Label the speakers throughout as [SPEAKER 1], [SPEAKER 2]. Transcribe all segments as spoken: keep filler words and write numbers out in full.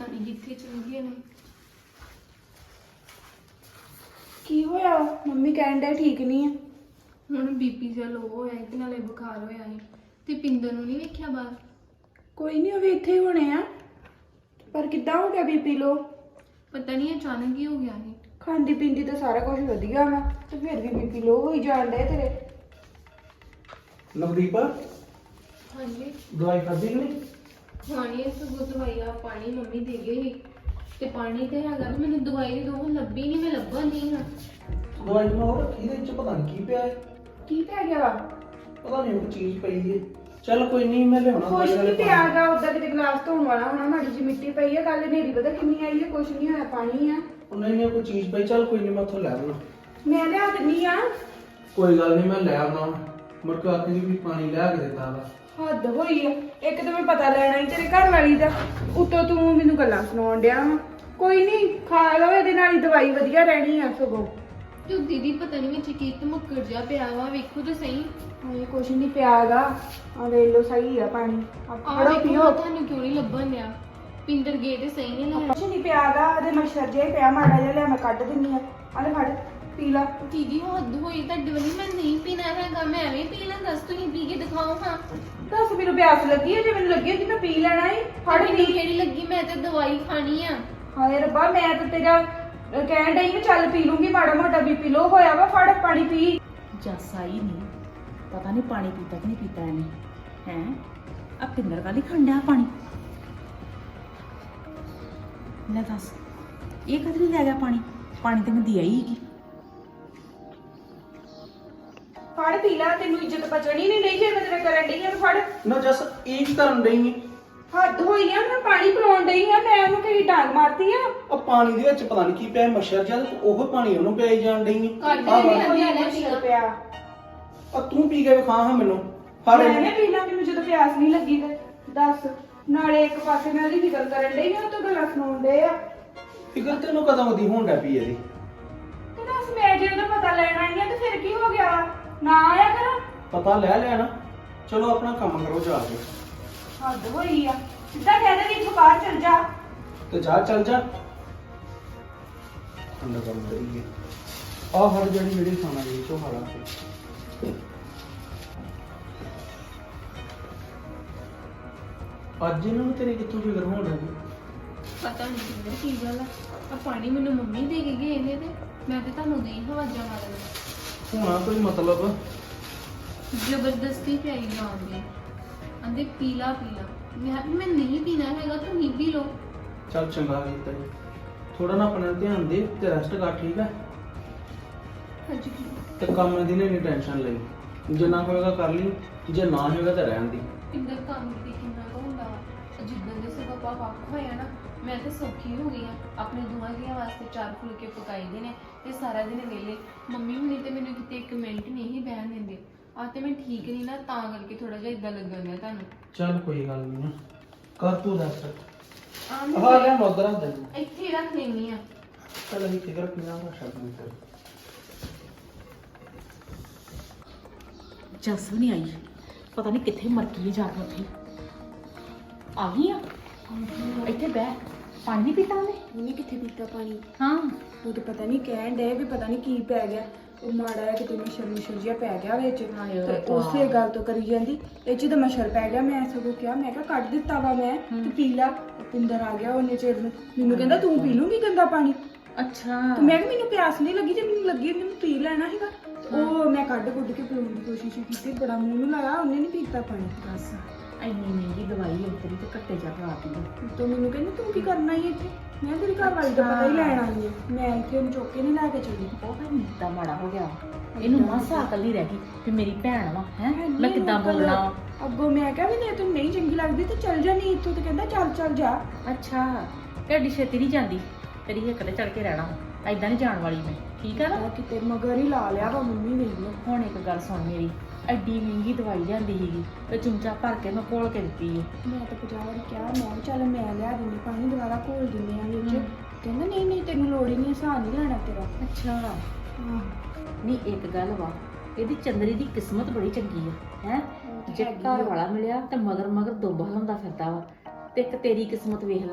[SPEAKER 1] ਨਹੀਂ ਕਿੱਥੇ ਚਲ ਗਏ ਨੇ।
[SPEAKER 2] ਕੀ ਹੋਇਆ? ਮੰਮੀ ਕਹਿਣ ਡਏ ਠੀਕ ਨਹੀਂ ਆ।
[SPEAKER 1] ਹੁਣ ਬੀਪੀ ਜਿਹਾ ਲੋ ਹੋਇਆ ਤੇ ਨਾਲੇ ਬੁਖਾਰ ਹੋਇਆ ਸੀ ਤੇ ਪਿੰਦਰ ਨੂੰ ਨਹੀਂ ਵੇਖਿਆ ਬਾਹਰ?
[SPEAKER 2] ਕੋਈ ਨਹੀਂ, ਉਹ ਵੀ ਇੱਥੇ ਹੀ ਹੋਣੇ ਆ। ਪਰ ਕਿੱਦਾਂ ਹੋ ਗਿਆ ਬੀਪੀ ਲੋ?
[SPEAKER 1] ਪਤਾ ਨਹੀਂ ਅਚਾਨਕ ਹੀ ਹੋ ਗਿਆ ਸੀ।
[SPEAKER 2] ਖਾਂਦੀ ਪੀਂਦੀ ਤਾਂ ਸਾਰਾ ਕੁਝ ਵਧੀਆ ਵਾ ਤੇ ਫਿਰ ਵੀ ਬੀਪੀ ਲੋ ਹੋਈ ਜਾਣ ਡਿਆ ਤੇਰੇ।
[SPEAKER 3] ਨਵਦੀਪ
[SPEAKER 1] ਹਾਂਜੀ
[SPEAKER 3] ਦਵਾਈ ਖਾਧੀ ਕਿ ਨਹੀਂ?
[SPEAKER 1] ਖਾਣੀ ਹੈ ਸਗੋਂ ਦਵਾਈ ਆ ਪਾਣੀ ਮੰਮੀ ਦੇ ਗਏ ਸੀ ਤੇ ਪਾਣੀ ਤੇ ਹੈਗਾ ਤੇ ਮੈਨੂੰ ਦਵਾਈ ਦੀ ਦੋ ਲੱਭੀ ਨਹੀਂ, ਮੈਂ ਲੱਭਾ ਨਹੀਂ ਹਾਂ।
[SPEAKER 3] ਦਵਾਈ ਮੈਂ ਹੋਰ ਰੱਖੀ ਦੇ ਵਿੱਚ ਪਤਾ ਨਹੀਂ ਕੀ ਪਿਆ ਹੈ।
[SPEAKER 2] ਕੀ ਪੈ ਗਿਆ ਵਾ?
[SPEAKER 3] ਪਤਾ ਨਹੀਂ ਉਹ ਚੀਜ਼ ਪਈ ਹੈ। ਚੱਲ ਕੋਈ ਨਹੀਂ, ਮੈਂ ਲਿਆਉਣਾ
[SPEAKER 2] ਕੁਛ ਨਹੀਂ ਪਿਆਗਾ, ਉਦਾਂ ਕਿਤੇ ਗਲਾਸ ਧੋਣ ਵਾਲਾ ਹੋਣਾ, ਮਾੜੀ ਜਿਹੀ ਮਿੱਟੀ ਪਈ ਹੈ। ਕੱਲ ਹਨੇਰੀ ਪਤਾ ਕਿੰਨੀ ਆਈ ਹੈ, ਕੁਛ ਨਹੀਂ ਹੋਇਆ, ਪਾਣੀ ਆ।
[SPEAKER 3] ਉਹ ਨਹੀਂ ਨਹੀਂ ਕੋਈ ਚੀਜ਼ ਪਈ, ਚੱਲ ਕੋਈ ਨਹੀਂ ਮੈਂ ਉੱਥੋਂ ਲੈ ਆਉਣਾ।
[SPEAKER 2] ਮੈਂ ਲਿਆ ਦਿੰਨੀ ਆ।
[SPEAKER 3] ਕੋਈ ਗੱਲ ਨਹੀਂ, ਮੈਂ ਲੈ ਆਉਣਾ। ਮੁੜ ਕੇ ਆਖੀ ਵੀ ਪਾਣੀ ਲਿਆ ਕੇ ਦਿੱਤਾ ਵਾ।
[SPEAKER 2] ਹੱਦ ਹੋਈ ਆ। ਇੱਕ ਤਾਂ ਮੈਂ ਪਤਾ ਲੈਣਾ ਹੀ ਤੇਰੇ ਘਰ ਵਾਲੀ ਦਾ, ਉੱਤੋਂ ਤੂੰ ਮੈਨੂੰ ਗੱਲਾਂ ਸੁਣਾਉਣ ਡਿਆ ਵਾ। ਕੋਈ ਨਹੀਂ, ਖਾ ਲਓ, ਇਹਦੇ ਨਾਲ ਹੀ ਦਵਾਈ ਵਧੀਆ ਰਹਿਣੀ ਆ ਸਗੋਂ।
[SPEAKER 1] ਤੇ ਦੀਦੀ ਪਤਾ ਨਹੀਂ ਵਿੱਚ ਕੀ ਧਮੱਕੜ ਜਿਹਾ ਪਿਆ ਵਾ, ਵੇਖੋ ਤਾਂ ਸਹੀ।
[SPEAKER 2] ਹਾਏ ਕੁਛ ਨਹੀਂ ਪਿਆਗਾ, ਆ ਲੈ ਲਓ, ਸਹੀ ਆ ਪਾਣੀ।
[SPEAKER 1] ਆਹ
[SPEAKER 2] ਫੜੋ
[SPEAKER 1] ਵੇਖੋ
[SPEAKER 2] ਪੀਓ।
[SPEAKER 1] ਤੁਹਾਨੂੰ ਕਿਉਂ ਨਹੀਂ ਲੱਭਣ ਡਿਆ? ਪਿੰਦਰ ਗਏ ਤੇ ਸਹੀ ਨੇ ਲੈਣ।
[SPEAKER 2] ਕੁਛ ਨਹੀਂ ਪਿਆਗਾ, ਉਹਦੇ ਮੱਛਰ ਜੇ ਪਿਆ ਮਾੜਾ ਜਿਹਾ, ਲੈ ਮੈਂ ਕੱਢ ਦਿੰਨੀ ਆ। ਆ ਲੈ ਫੜ ਪੀ ਲਾ।
[SPEAKER 1] ਦੀਦੀ ਹੱਦ ਹੋਈ ਤੁਹਾਡੇ ਵਾਲੀ, ਮੈਂ ਨਹੀਂ ਪੀਣਾ ਹੈਗਾ, ਮੈਂ ਐਵੇਂ ਪੀ ਲਾਂ। ਦੱਸ ਤੁਸੀਂ ਪੀ ਕੇ ਦਿਖਾਓ ਹਾਂ।
[SPEAKER 2] ਦੱਸ ਮੈਨੂੰ ਪਿਆਸ ਲੱਗੀ ਹੈ? ਜੇ ਮੈਨੂੰ ਲੱਗੀ ਹੁੰਦੀ ਮੈਂ ਪੀ ਲੈਣਾ ਹੀ। ਫੜ
[SPEAKER 1] ਮੈਨੂੰ
[SPEAKER 2] ਪੀ।
[SPEAKER 1] ਕਿਹੜੀ ਲੱਗੀ, ਮੈਂ ਤੇ ਦਵਾਈ ਖਾਣੀ ਆ।
[SPEAKER 2] ਹਾਏ ਰੱਬਾ, ਮੈਂ ਤਾਂ ਤੇਰਾ ਅਹ, ਕਹਿਣ ਡਈ ਮੈਂ ਚੱਲ ਪੀ ਲੂੰਗੀ, ਮਾੜਾ ਮੋਟਾ ਬੀਪੀ ਲੋ ਹੋਇਆ ਵਾ, ਫੜ ਪਾਣੀ ਪੀ।
[SPEAKER 4] ਜੱਸ ਆਈ ਨਹੀਂ, ਪਤਾ ਨਹੀਂ ਪਾਣੀ ਪੀਤਾ ਕਿ ਨਹੀਂ ਪੀਤਾ ਇਹਨੇ। ਹੈ ਆ ਪਿੰਦਰ ਕਾਲੀ ਖੰਡਿਆ ਪਾਣੀ। ਲੈ ਦੱਸ, ਇਹ ਕਦ ਨਹੀਂ ਲੈ ਗਿਆ ਪਾਣੀ? ਪਾਣੀ ਤੇ ਮੈਂ ਦਿਆ ਹੀ ਹੈਗੀ।
[SPEAKER 2] ਫੜ ਪੀ ਲਾ, ਤੈਨੂੰ ਇੱਜ਼ਤ ਬਚਣੀ ਨਹੀਂ ਨਹੀਂ ਜੇ ਮੈਂ ਤੇਰੇ ਕਰਨ ਡਈ ਆ। ਫੜ।
[SPEAKER 3] ਨਾ ਜੱਸ ਇਹ ਕੀ ਕਰਨ ਡਈ ਹੈ?
[SPEAKER 2] ਹੱਦ ਹੋਈ ਆ, ਮੈਂ ਪਾਣੀ ਪਿਲਾਉਣ ਡਈ ਆ, ਮੈਂ ਉਹਨੂੰ ਕਹੀ ਡਾਂਗ ਮਾਰਤੀ ਆ।
[SPEAKER 3] ਉਹ ਪਾਣੀ ਦੇ ਵਿੱਚ ਪਤਾ ਨਹੀਂ ਕੀ ਪਿਆ, ਮੱਛਰ ਜਿਹਾ, ਉਹ ਪਾਣੀ ਉਹਨੂੰ ਪਿਆਈ ਜਾਣ ਡਈ ਹੈ।
[SPEAKER 1] ਕੱਢ
[SPEAKER 3] ਆਹ
[SPEAKER 1] ਕੇ
[SPEAKER 3] ਵਾ।
[SPEAKER 1] ਵੀ
[SPEAKER 2] ਉਹਨੇ ਮੱਛਰ ਪਿਆ।
[SPEAKER 3] ਆ ਤੂੰ ਪੀ ਕੇ ਵਿਖਾ ਹਾਂ ਮੈਨੂੰ। ਫੜ
[SPEAKER 2] ਮੈਂ ਨੇ ਪੀਣਾ, ਮੈਨੂੰ ਜਦੋਂ ਪਿਆਸ ਨਹੀਂ ਲੱਗੀ ਤੇ ਦੱਸ। ਨਾਲੇ ਇੱਕ ਪਾਸੇ ਮੈਂ ਉਹਦੀ ਫਿਕਰ ਕਰਨ ਡਈ ਆ, ਉਹ ਤੋਂ ਗੱਲਾਂ ਸੁਣਾਉਣ ਡੇ ਆ।
[SPEAKER 3] ਫਿਕਰ ਤੈਨੂੰ ਕਦੋਂ ਦੀ ਹੋਣ ਡੈ ਪਈ ਇਹਦੀ?
[SPEAKER 2] ਤੇ ਦੱਸ, ਮੈਂ ਜੇ ਉਹਦਾ ਪਤਾ ਲੈਣ ਆਈ ਆ ਤੇ ਫਿਰ ਕੀ ਹੋ ਗਿਆ ਵਾ? ਨਾ ਆਇਆ ਕਰ।
[SPEAKER 3] ਪਤਾ ਲੈ ਲੈਣਾ। ਚਲੋ ਆਪਣਾ ਕੰਮ ਕਰੋ ਜਾ ਕੇ।
[SPEAKER 2] ਹੱਦ ਹੋਈ ਆ, ਸਿੱਧਾ ਕਹਿ ਦੇ ਵੀ ਇੱਥੋਂ ਬਾਹਰ ਚਲ ਜਾ।
[SPEAKER 3] ਤੇ ਜਾ ਚੱਲ ਜਾ। ਅੰਦਰ ਕੰਮ ਕਰੀਏ। ਆਹ ਹਰ ਜਿਹੜੀ ਜਿਹੜੀ ਖਾਣਾ ਜੀ ਤੋਂ ਹਾਲਾ ਅੱਜ ਇਹਨਾਂ ਨੂੰ ਤੇਰੇ ਕਿੱਥੋਂ ਫਿਕਰ ਹੋਣ ਲੱਗੀ?
[SPEAKER 1] ਪਤਾ ਨਹੀਂ ਕਿੰਨੇ ਕੀ ਗੱਲ ਆ। ਆ ਪਾਣੀ ਮੈਨੂੰ ਮੰਮੀ ਦੇ ਕੇ ਗਏ ਨੇ ਤੇ ਮੈਂ ਤੇ ਤੁਹਾਨੂੰ ਦੇ ਹਵਾਜਾਂ ਮਾਰਨ।
[SPEAKER 3] ਹੋਣਾ ਕੋਈ ਮਤਲਬ?
[SPEAKER 1] ਜ਼ਬਰਦਸਤੀ ਪਿਆਈ ਜਾਂਦੇ ਆਂਦੇ ਪੀਲਾ ਪੀਲਾ। ਮੈਂ ਕਿਹਾ ਵੀ ਮੈਂ ਨਹੀਂ ਪੀਣਾ ਹੈਗਾ, ਤੂੰ ਹੀ ਪੀ ਲੋ।
[SPEAKER 3] ਚੱਲ ਚੰਗਾ ਕੀਤਾ ਜੀ। ਥੋੜਾ ਨਾ ਆਪਣੇ ਧਿਆਨ ਦੇ ਤੇ ਰੈਸਟ ਕਰ, ਠੀਕ ਹੈ?
[SPEAKER 1] ਹਾਂਜੀ
[SPEAKER 3] ਤੇ ਕੰਮ ਦੀ ਨਹੀਂ ਟੈਨਸ਼ਨ ਲਈ, ਜਿੰਨਾ ਹੋਏਗਾ ਕਰ ਲਈ, ਜੇ ਨਾ ਹੋਏਗਾ ਤਾਂ ਰਹਿਣ ਦੀ।
[SPEAKER 1] ਪਿੰਦਰ ਕੰਮ ਤੇ ਕਿੰਨਾ ਕੁ ਹੁੰਦਾ ਵਾ। ਜਿੱਦਾਂ ਦੇ ਸੇ ਪਾਪਾ ਵੱਖ ਹੋਇਆ ਨਾ, ਮੈਂ ਤਾਂ ਸੌਖੀ ਹੋ ਗਈ ਆ। ਆਪਣੇ ਦੋਹਾਂ ਜੀਆਂ ਵਾਸਤੇ ਚਾਰ ਫੁਲਕੇ ਪਕਾਈਦੇ ਨੇ ਤੇ ਸਾਰਾ ਦਿਨ ਵਿਹਲੇ। ਮੰਮੀ ਹੁਣੀ ਤੇ ਮੈਨੂੰ ਕਿਤੇ ਇੱਕ ਮਿੰਟ ਨਹੀਂ ਬਹਿਣ ਦਿੰਦੇ। ਆ ਤੇ ਮੈਂ ਠੀਕ ਨਹੀਂ ਨਾ, ਤਾਂ ਕਰਕੇ ਥੋੜਾ ਜਿਹਾ ਇਦਾਂ ਲੱਗਣ ਡਿਆ ਤੁਹਾਨੂੰ।
[SPEAKER 3] ਚੱਲ ਕੋਈ ਗੱਲ ਨਹੀਂ ਨਾ, ਕਰ ਤੂੰ ਰੈਸਟ।
[SPEAKER 1] ਆ
[SPEAKER 3] ਹਾਂ ਲੈ ਮੋਦਰ ਹੱਥ ਦੇ।
[SPEAKER 1] ਇੱਥੇ ਹੀ ਰੱਖ ਲੈਣੀ ਆ।
[SPEAKER 3] ਚੱਲ ਅਸੀਂ ਫਿਕਰ ਕਿੰਨਾ ਦਾ ਸ਼ਬਦ ਨਹੀਂ ਕਰ।
[SPEAKER 4] ਜੱਸ ਵੀ ਨਹੀਂ ਆਈ, ਪਤਾ ਨਹੀਂ ਕਿੱਥੇ ਮਰ ਗਈ ਹੈ ਜਾ ਕੇ। ਉੱਥੇ ਆ ਗਈ ਆ। ਇੱਥੇ ਬਹਿ, ਪਾਣੀ ਨਹੀਂ ਪੀਤਾ ਉਹਨੇ?
[SPEAKER 2] ਉਹਨੇ ਕਿੱਥੇ ਪੀਤਾ ਪਾਣੀ?
[SPEAKER 4] ਹਾਂ
[SPEAKER 2] ਉਹ ਤਾਂ ਪਤਾ ਨਹੀਂ ਕਹਿਣ ਡੇ ਵੀ ਪਤਾ ਨਹੀਂ ਕੀ ਪੈ ਗਿਆ। ਉਹ ਮਾੜਾ ਜਿਹਾ ਕਿਤੇ ਮੱਛਰ ਮੱਛਰ ਜਿਹਾ ਪੈ ਗਿਆ ਵਿੱਚ
[SPEAKER 4] ਹਾਏ
[SPEAKER 2] ਤੇ
[SPEAKER 4] ਰੱਬਾ।
[SPEAKER 2] ਉਸੇ ਗੱਲ ਤੋਂ ਕਰੀ ਜਾਂਦੀ ਇਹ ਚ ਤਾਂ ਮੱਛਰ ਪੈ ਗਿਆ। ਮੈਂ ਸਗੋਂ ਕਿਹਾ, ਮੈਂ ਕਿਹਾ ਕੱਢ ਦਿੱਤਾ ਵਾ ਮੈਂ ਤੇ ਪੀ ਲਾ। ਪਿੰਦਰ ਆ ਗਿਆ ਉਹਨੇ ਚਿਰ ਨੂੰ, ਮੈਨੂੰ ਕਹਿੰਦਾ ਤੂੰ ਪੀ ਲੂੰਗੀ ਗੰਦਾ ਪਾਣੀ।
[SPEAKER 4] ਅੱਛਾ।
[SPEAKER 2] ਤੇ ਮੈਂ ਕਿਹਾ ਮੈਨੂੰ ਪਿਆਸ ਨਹੀਂ ਲੱਗੀ, ਜੇ ਮੈਨੂੰ ਲੱਗੀ ਹੁੰਦੀ ਮੈਂ ਪੀ ਲੈਣਾ ਸੀਗਾ। ਉਹ ਮੈਂ ਕੱਢ ਕੁੱਢ ਕੇ ਪੀਣ ਦੀ ਕੋਸ਼ਿਸ਼ ਕੀਤੀ, ਬੜਾ ਮੂੰਹ ਨੂੰ ਲਾਇਆ, ਉਹਨੇ ਨਹੀਂ ਪੀਤਾ ਪਾਣੀ।
[SPEAKER 4] ਬਸ ਇੰਨੀ ਮਹਿੰਗੀ ਦਵਾਈ ਉਤਰੀ ਤੇ ਘੱਟੇ ਜਾ ਕੇ ਆ ਪੀ।
[SPEAKER 2] ਤੋਂ ਮੈਨੂੰ ਕਹਿੰਦੀ ਤੂੰ ਕੀ ਕਰਨਾ ਹੀ ਇੱਥੇ? ਮੈਂ ਤੇਰੀ ਘਰ ਵਾਲੀ ਦਾ ਪਤਾ ਹੀ ਲੈਣ ਆਈ ਹਾਂ। ਮੈਂ ਇੱਥੇ ਉਹਨੂੰ ਚੁੱਕ ਕੇ ਨਹੀਂ ਲੈ ਕੇ ਚੱਲੀ।
[SPEAKER 4] ਉਹ ਤਾਂ ਨੀਤਾ ਮਾੜਾ ਹੋ ਗਿਆ, ਇਹਨੂੰ ਮਾਸਾ ਅਕਲ ਨਹੀਂ ਰਹਿ ਗਈ ਕਿ ਮੇਰੀ ਭੈਣ ਵਾ। ਹੈ ਮੈਂ ਕਿੱਦਾਂ ਬੋਲਣਾ?
[SPEAKER 2] ਅੱਗੋਂ ਮੈਂ ਕਿਹਾ ਵੀ ਜੇ ਤੈਨੂੰ ਨਹੀਂ ਚੰਗੀ ਲੱਗਦੀ ਤੇ ਚੱਲ ਜਾ, ਨਹੀਂ ਇੱਥੋਂ। ਤੇ ਕਹਿੰਦਾ ਚੱਲ ਚੱਲ ਜਾ।
[SPEAKER 4] ਅੱਛਾ, ਢੱਡੀ ਛੇਤੀ ਨਹੀਂ ਜਾਂਦੀ, ਤੇਰੀ ਹਿੱਕ ਤੇ ਚੜ ਕੇ ਰਹਿਣਾ। ਐਦਾਂ ਨਹੀਂ ਜਾਣ ਵਾਲੀ ਮੈਂ, ਠੀਕ ਆ ਨਾ?
[SPEAKER 2] ਉਹ ਕਿਤੇ ਮਗਰ ਹੀ ਲਾ ਲਿਆ ਵਾ ਮੰਮੀ ਨੇ।
[SPEAKER 4] ਹੁਣ ਇੱਕ ਗੱਲ ਸੁਣ ਮੇਰੀ, ਐਡੀ ਮਹਿੰਗੀ ਦਵਾਈ ਲਿਆਂਦੀ ਸੀਗੀ ਤੇ ਚਮਚਾ ਭਰ ਕੇ ਮੈਂ ਘੋਲ ਕੇ ਦਿੱਤੀ ਹੈ।
[SPEAKER 2] ਮੈਂ ਤਾਂ ਪੰਜਾਹ ਵਾਰੀ ਕਿਹਾ, ਮੈਂ ਕਿਹਾ ਚੱਲ ਮੈਂ ਲਿਆ ਦਿੰਦੀ ਪਾਣੀ, ਦੁਬਾਰਾ ਘੋਲ ਦਿੰਦੇ ਆ ਵਿੱਚ।
[SPEAKER 4] ਹਮ।
[SPEAKER 2] ਕਹਿੰਦਾ ਨਹੀਂ ਨਹੀਂ ਤੈਨੂੰ ਲੋੜ ਹੀ ਨਹੀਂ, ਆਸਾਨ ਨਹੀਂ ਲੈਣਾ ਤੇਰਾ।
[SPEAKER 4] ਅੱਛਾ।
[SPEAKER 2] ਹਾਂ
[SPEAKER 4] ਨਹੀਂ ਇੱਕ ਗੱਲ ਵਾ, ਇਹਦੀ ਚੰਦਰੀ ਦੀ ਕਿਸਮਤ ਬੜੀ ਚੰਗੀ ਆ। ਹੈ ਜੇ ਘਰ ਵਾਲਾ ਮਿਲਿਆ ਤੇ ਮਗਰ ਮਗਰ ਦੁੱਬ ਹਲਾਉਂਦਾ ਫਿਰਦਾ ਵਾ। ਤੇ ਇੱਕ ਤੇਰੀ ਕਿਸਮਤ ਵੇਖ ਲਾ,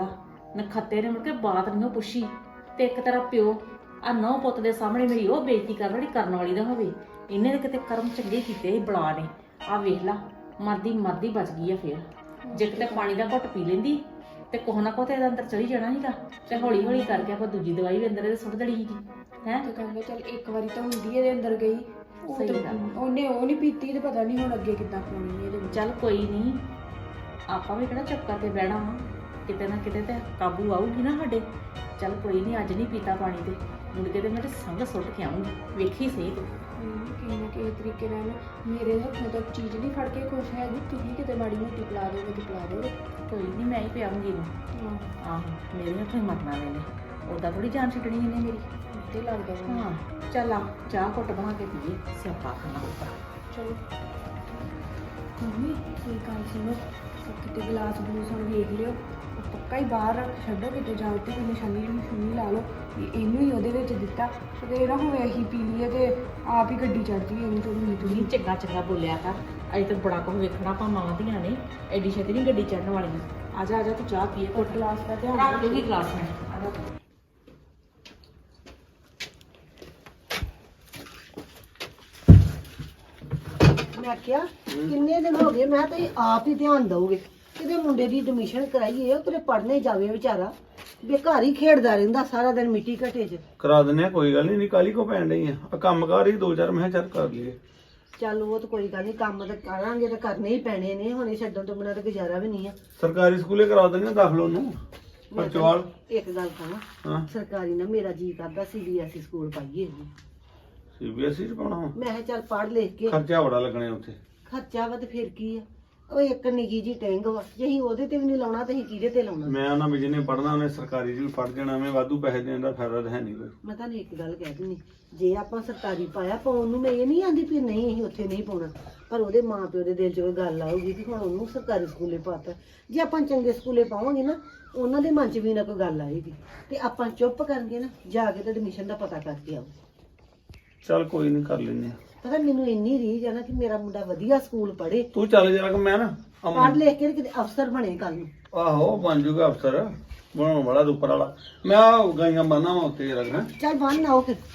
[SPEAKER 4] ਨਖੱਤੇ ਨੇ ਮੁੜ ਕੇ ਬਾਤ ਨਹੀਂ ਉਹ ਪੁੱਛੀ ਤੇ ਇੱਕ ਤਰ੍ਹਾਂ ਪਿਓ ਆ ਨੌ ਪੁੱਤ ਦੇ ਸਾਹਮਣੇ ਮੇਰੀ ਉਹ ਬੇਇੱਜ਼ਤੀ ਕਰਨ ਵਾਲੀ ਕਰਨ ਵਾਲੀ ਦਾ ਹੋਵੇ। ਇਹਨੇ ਤਾਂ ਕਿਤੇ ਕਰਮ ਚੰਗੇ ਕੀਤੇ ਸੀ ਬਲਾ ਨੇ। ਆ ਵੇਖ ਲਾ ਮਰਦੀ ਮਰਦੀ ਬਚ ਗਈ ਆ ਫੇਰ। ਜੇ ਕਿਤੇ ਪਾਣੀ ਦਾ ਘੁੱਟ ਪੀ ਲੈਂਦੀ ਤੇ ਕੋਹ ਨਾ ਕੋਹ ਤੇ ਇਹਦਾ ਅੰਦਰ ਚਲੀ ਜਾਣਾ ਸੀਗਾ ਤੇ ਹੌਲੀ ਹੌਲੀ ਕਰਕੇ ਆਪਾਂ ਦੂਜੀ ਦਵਾਈ ਵੀ ਅੰਦਰ ਇਹਦੇ ਸੁੱਟ ਦੇਣੀ ਸੀਗੀ ਹੈ।
[SPEAKER 2] ਤੇ ਕਹਿੰਦੇ ਚੱਲ ਇੱਕ ਵਾਰੀ ਤਾਂ ਹੁੰਦੀ ਇਹਦੇ ਅੰਦਰ ਗਈ, ਉਹ
[SPEAKER 4] ਸਹੀ
[SPEAKER 2] ਤਾਂ-
[SPEAKER 4] ਗੱਲ ਆ।
[SPEAKER 2] ਉਹਨੇ ਉਹ ਨਹੀਂ ਪੀਤੀ ਤੇ ਪਤਾ ਨਹੀਂ ਹੁਣ ਅੱਗੇ ਕਿੱਦਾਂ ਪਾਉਣੀ ਇਹਦੇ ਵਿੱਚ।
[SPEAKER 4] ਚੱਲ ਕੋਈ ਨਹੀਂ ਆਪਾਂ ਵੀ ਕਿਹੜਾ ਚੁੱਪ ਕਰਕੇ ਬਹਿਣਾ ਵਾ, ਕਿਤੇ ਨਾ ਕਿਤੇ ਤੇ ਕਾਬੂ ਆਊਗੀ ਨਾ ਸਾਡੇ। ਚੱਲ ਕੋਈ ਨਹੀਂ ਅੱਜ ਨਹੀਂ ਪੀਤਾ ਪਾਣੀ ਤੇ ਮੁੜ ਕੇ ਤੇ ਮੈਂ ਤੇ ਸੰਗ ਸੁੱਟ ਕੇ ਆਉਂਗੀ, ਵੇਖੀ ਸਹੀ ਤੂੰ।
[SPEAKER 2] ਮੈਨੂੰ ਕਿਸੇ ਨਾ ਕਿਸੇ ਤਰੀਕੇ ਨਾਲ ਨਾ ਮੇਰੇ ਹੱਥੋਂ ਤੱਕ ਚੀਜ਼ ਨਹੀਂ ਫੜ ਕੇ ਖੁਸ਼ ਹੈਗੀ, ਤੁਸੀਂ ਕਿਤੇ ਮਾੜੀ ਮੋਟੀ ਪਿਲਾ ਦੋਗੇ ਤੇ ਪਿਲਾ ਦੋਗੇ।
[SPEAKER 4] ਕੋਈ ਨਹੀਂ ਮੈਂ ਹੀ ਪਿਆਉਂਗੀ ਇਹਨੂੰ। ਆਹੋ ਮੇਰੇ ਹੱਥੋਂ ਹੀ ਮਰਨਾ ਵੇਲੇ ਉਹਦਾ ਥੋੜੀ ਜਾਨ ਛੱਡਣੀ ਇਹਨੇ ਮੇਰੀ।
[SPEAKER 2] ਤੇ ਲੱਗਦਾ ਵਾ।
[SPEAKER 4] ਹਾਂ ਚੱਲ ਆ ਚਾਹ ਘੁੱਟ ਬਣਾ ਕੇ ਪੀਏ, ਸਿਆਪਾ ਖਾਣਾ ਉੱਪਰ।
[SPEAKER 2] ਚਲੋ ਮੰਮੀ ਕੋਈ ਗੱਲ ਸੁਣੋ, ਕਿਤੇ ਗਲਾਸ ਗਲੂਸ ਹੁਣ ਵੇਖ ਲਿਓ, ਉਹ ਪੱਕਾ ਹੀ ਬਾਹਰ ਰੱਖ ਛੱਡੋ ਕਿਤੇ ਜਾਂ ਉੱਤੇ ਕੋਈ ਨਿਸ਼ਾਨੀ ਨਿਸ਼ਾਨੀ ਲਾ ਲਓ ਵੀ ਇਹਨੂੰ ਹੀ ਉਹਦੇ ਵਿੱਚ ਦਿੱਤਾ ਤੇ ਇਹ ਨਾ ਹੋਵੇ ਅਸੀਂ ਪੀ ਲਈਏ ਤੇ ਆਪ ਹੀ ਗੱਡੀ ਚੜ੍ਹ ਜਾਈਏ ਇਹਨੂੰ ਥੋੜੀ
[SPEAKER 4] ਨਹੀਂ
[SPEAKER 2] ਥੋੜੀ।
[SPEAKER 4] ਚੰਗਾ ਚੰਗਾ ਬੋਲਿਆ ਕਰ, ਅਜੇ ਤਾਂ ਬੜਾ ਕੁਝ ਵੇਖਣਾ ਆਪਾਂ ਮਾਵਾਂ ਧੀਆਂ ਨੇ, ਐਡੀ ਛੇਤੀ ਨਹੀਂ ਗੱਡੀ ਚੜਨ ਵਾਲੀਆਂ। ਆ ਜਾ ਆ ਜਾ ਤੂੰ ਚਾਹ ਪੀਏ ਘੁੱਟ।
[SPEAKER 2] ਗਲਾਸ ਦਾ ਧਿਆਨ
[SPEAKER 4] ਰੱਖ
[SPEAKER 2] ਰੱਖਿਓ।
[SPEAKER 4] ਦੂਗੀ ਗਲਾਸ ਮੈਂ। ਆ ਜਾ।
[SPEAKER 5] ਮੈਂ ਕਿਹਾ ਕਿੰਨੇ ਦਿਨ ਹੋ ਗਏ, ਮੈਂ ਤਾਂ ਇਹ ਆਪ ਹੀ ਧਿਆਨ ਦਊਗੇ ਕਿਤੇ ਮੁੰਡੇ ਦੀ ਐਡਮਿਸ਼ਨ ਕਰਾਈਏ, ਉਹ ਕਿਤੇ ਪੜ੍ਹਨੇ ਜਾਵੇ ਵਿਚਾਰਾ, ਬੇਘਰ ਹੀ ਖੇਡਦਾ ਰਹਿੰਦਾ ਸਾਰਾ ਦਿਨ ਮਿੱਟੀ ਘਟੇ 'ਚ।
[SPEAKER 3] ਕਰਾ ਦਿੰਦੇ ਆ, ਕੋਈ ਗੱਲ ਨਹੀਂ, ਨਹੀਂ ਕਾਲੀ ਕੋ ਪੈਣ ਡਈ ਆ ਆਹ ਕੰਮ ਕਾਰ ਹੀ ਦੋ ਚਾਰ ਮੈਂ ਕਿਹਾ ਚੱਲ ਕਰ ਲਈਏ।
[SPEAKER 5] ਚੱਲ ਉਹ ਤਾਂ ਕੋਈ ਗੱਲ ਨਹੀਂ, ਕੰਮ ਤਾਂ ਕਰਾਂਗੇ ਤਾਂ ਕਰਨੇ ਹੀ ਪੈਣੇ ਨੇ, ਹੁਣ ਇਹ ਛੱਡਣ ਤੋਂ ਬਿਨਾਂ ਤਾਂ ਗੁਜ਼ਾਰਾ ਵੀ ਨਹੀਂ ਆ।
[SPEAKER 3] ਸਰਕਾਰੀ ਸਕੂਲੇ ਕਰਾ ਦਿੰਦੇ ਆ ਦਾਖਲ ਉਹਨੂੰ ਪਰਚਵਾਲ।
[SPEAKER 5] ਇੱਕ ਗੱਲ ਕਹਾਂ,
[SPEAKER 3] ਹਾਂ
[SPEAKER 5] ਸਰਕਾਰੀ ਨਾ ਮੇਰਾ ਜੀ ਕਰਦਾ ਸੀ ਬੀ ਐਸ ਈ ਸਕੂਲ ਪਾਈਏ ਇਹਨੂੰ।
[SPEAKER 3] ਸੀਬੀਐਸਈ ਚ ਪਾਉਣਾ ਵਾ।
[SPEAKER 5] ਮੈਂ ਕਿਹਾ ਚੱਲ ਪੜ੍ਹ ਲਿਖ ਕੇ
[SPEAKER 3] ਖਰਚਾ ਬੜਾ ਲੱਗਣਾ ਉੱਥੇ।
[SPEAKER 5] ਖਰਚਾ ਵਾ ਤੇ ਫਿਰ ਕੀ ਆ, ਉਹ ਇੱਕ ਨਿੱਕੀ ਜੀ ਟੈਂਗ ਵਾ, ਜੇ ਅਸੀਂ ਉਹਦੇ ਤੇ ਵੀ ਨਹੀਂ ਲਾਉਣਾ ਤਾਂ ਅਸੀਂ ਕਿਹਦੇ ਤੇ ਲਾਉਣਾ।
[SPEAKER 3] ਮੈਂ ਉਹਨਾਂ ਵੀ ਜਿਹਨੇ ਪੜਨਾ ਉਹਨੇ ਸਰਕਾਰੀ ਚ ਵੀ ਪੜ ਜਾਣਾ, ਮੈਂ ਵਾਧੂ ਪੈਸੇ ਦੇਣ ਦਾ ਫਾਇਦਾ ਤਾਂ ਹੈ ਨਹੀਂ ਕੋਈ।
[SPEAKER 5] ਮੈਂ ਤੁਹਾਨੂੰ ਇੱਕ ਗੱਲ ਕਹਿ ਦਿੰਦੀ, ਜੇ ਆਪਾਂ ਸਰਕਾਰੀ ਪਾਇਆ ਪਾਉਣ ਨੂੰ ਮੈਂ ਇਹ ਨਹੀਂ ਆਂਦੀ ਵੀ ਨਹੀਂ ਅਸੀਂ ਉੱਥੇ ਨਹੀਂ ਪਾਉਣਾ, ਪਰ ਉਹਦੇ ਮਾਂ ਪਿਓ ਦੇ ਦਿਲ 'ਚ ਕੋਈ ਗੱਲ ਆਊਗੀ ਕਿ ਹੁਣ ਉਹਨੂੰ ਸਰਕਾਰੀ ਸਕੂਲੇ ਪਾਤਾ। ਜੇ ਆਪਾਂ ਚੰਗੇ ਸਕੂਲੇ ਪਾਵਾਂਗੇ ਨਾ, ਉਹਨਾਂ ਦੇ ਮਨ 'ਚ ਵੀ ਨਾ ਕੋਈ ਗੱਲ ਆਏਗੀ ਤੇ ਆਪਾਂ ਚੁੱਪ ਕਰਕੇ ਨਾ ਜਾ ਕੇ ਤੇ ਐਡਮਿਸ਼ਨ ਦਾ ਪਤਾ ਕਰਕੇ ਆਓ।
[SPEAKER 3] ਚੱਲ ਕੋਈ ਨਹੀਂ ਕਰ ਲੈਨੇ ਆ।
[SPEAKER 5] ਪਤਾ ਮੈਨੂੰ ਇੰਨੀ ਰੀਝ ਆ ਨਾ ਕਿ ਮੇਰਾ ਮੁੰਡਾ ਵਧੀਆ ਸਕੂਲ ਪੜ੍ਹੇ,
[SPEAKER 3] ਤੂੰ ਚੱਲ ਜਰਾ ਕਿ ਮੈਂ ਨਾ ਅਮ-
[SPEAKER 5] ਪੜ੍ਹ ਲਿਖ ਕੇ ਕਿਤੇ ਅਫਸਰ ਬਣੇ ਕੱਲ ਨੂੰ।
[SPEAKER 3] ਆਹੋ ਬਣ ਜੂਗਾ ਅਫਸਰ, ਬਣਾਉਣ ਵਾਲਾ ਤੇ ਉੱਪਰ ਵਾਲਾ। ਮੈਂ ਆਹ ਗਾਈਆਂ ਬੰਨਾ ਵਾ ਉੱਤੇ ਰੱਖਣਾ।
[SPEAKER 5] ਚੱਲ ਬੰਨ ਆਓ ਫਿਰ।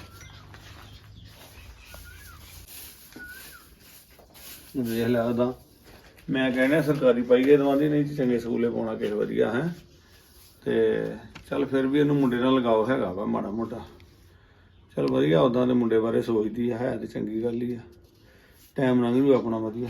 [SPEAKER 3] ਵੇਖ ਲਿਆ ਉਹਦਾ, ਮੈਂ ਕਹਿੰਦਾ ਸਰਕਾਰੀ ਪਾਈਏ ਦਵਾਂਦੀ, ਨਹੀਂ ਤੇ ਚੰਗੇ ਸਕੂਲੇ ਪਾਉਣਾ ਕਿਸੇ ਵਧੀਆ ਹੈ। ਤੇ ਚੱਲ ਫਿਰ ਵੀ ਇਹਨੂੰ ਮੁੰਡੇ ਨਾਲ ਲਗਾਓ ਹੈਗਾ ਵਾ ਮਾੜਾ ਮੋਟਾ। ਚੱਲ ਵਧੀਆ, ਉਦਾਂ ਦੇ ਮੁੰਡੇ ਬਾਰੇ ਸੋਚਦੀ ਆ, ਹੈ ਤੇ ਚੰਗੀ ਗੱਲ ਹੀ ਆ, ਟਾਈਮ ਲੰਘ ਜੂ ਆਪਣਾ ਵਧੀਆ।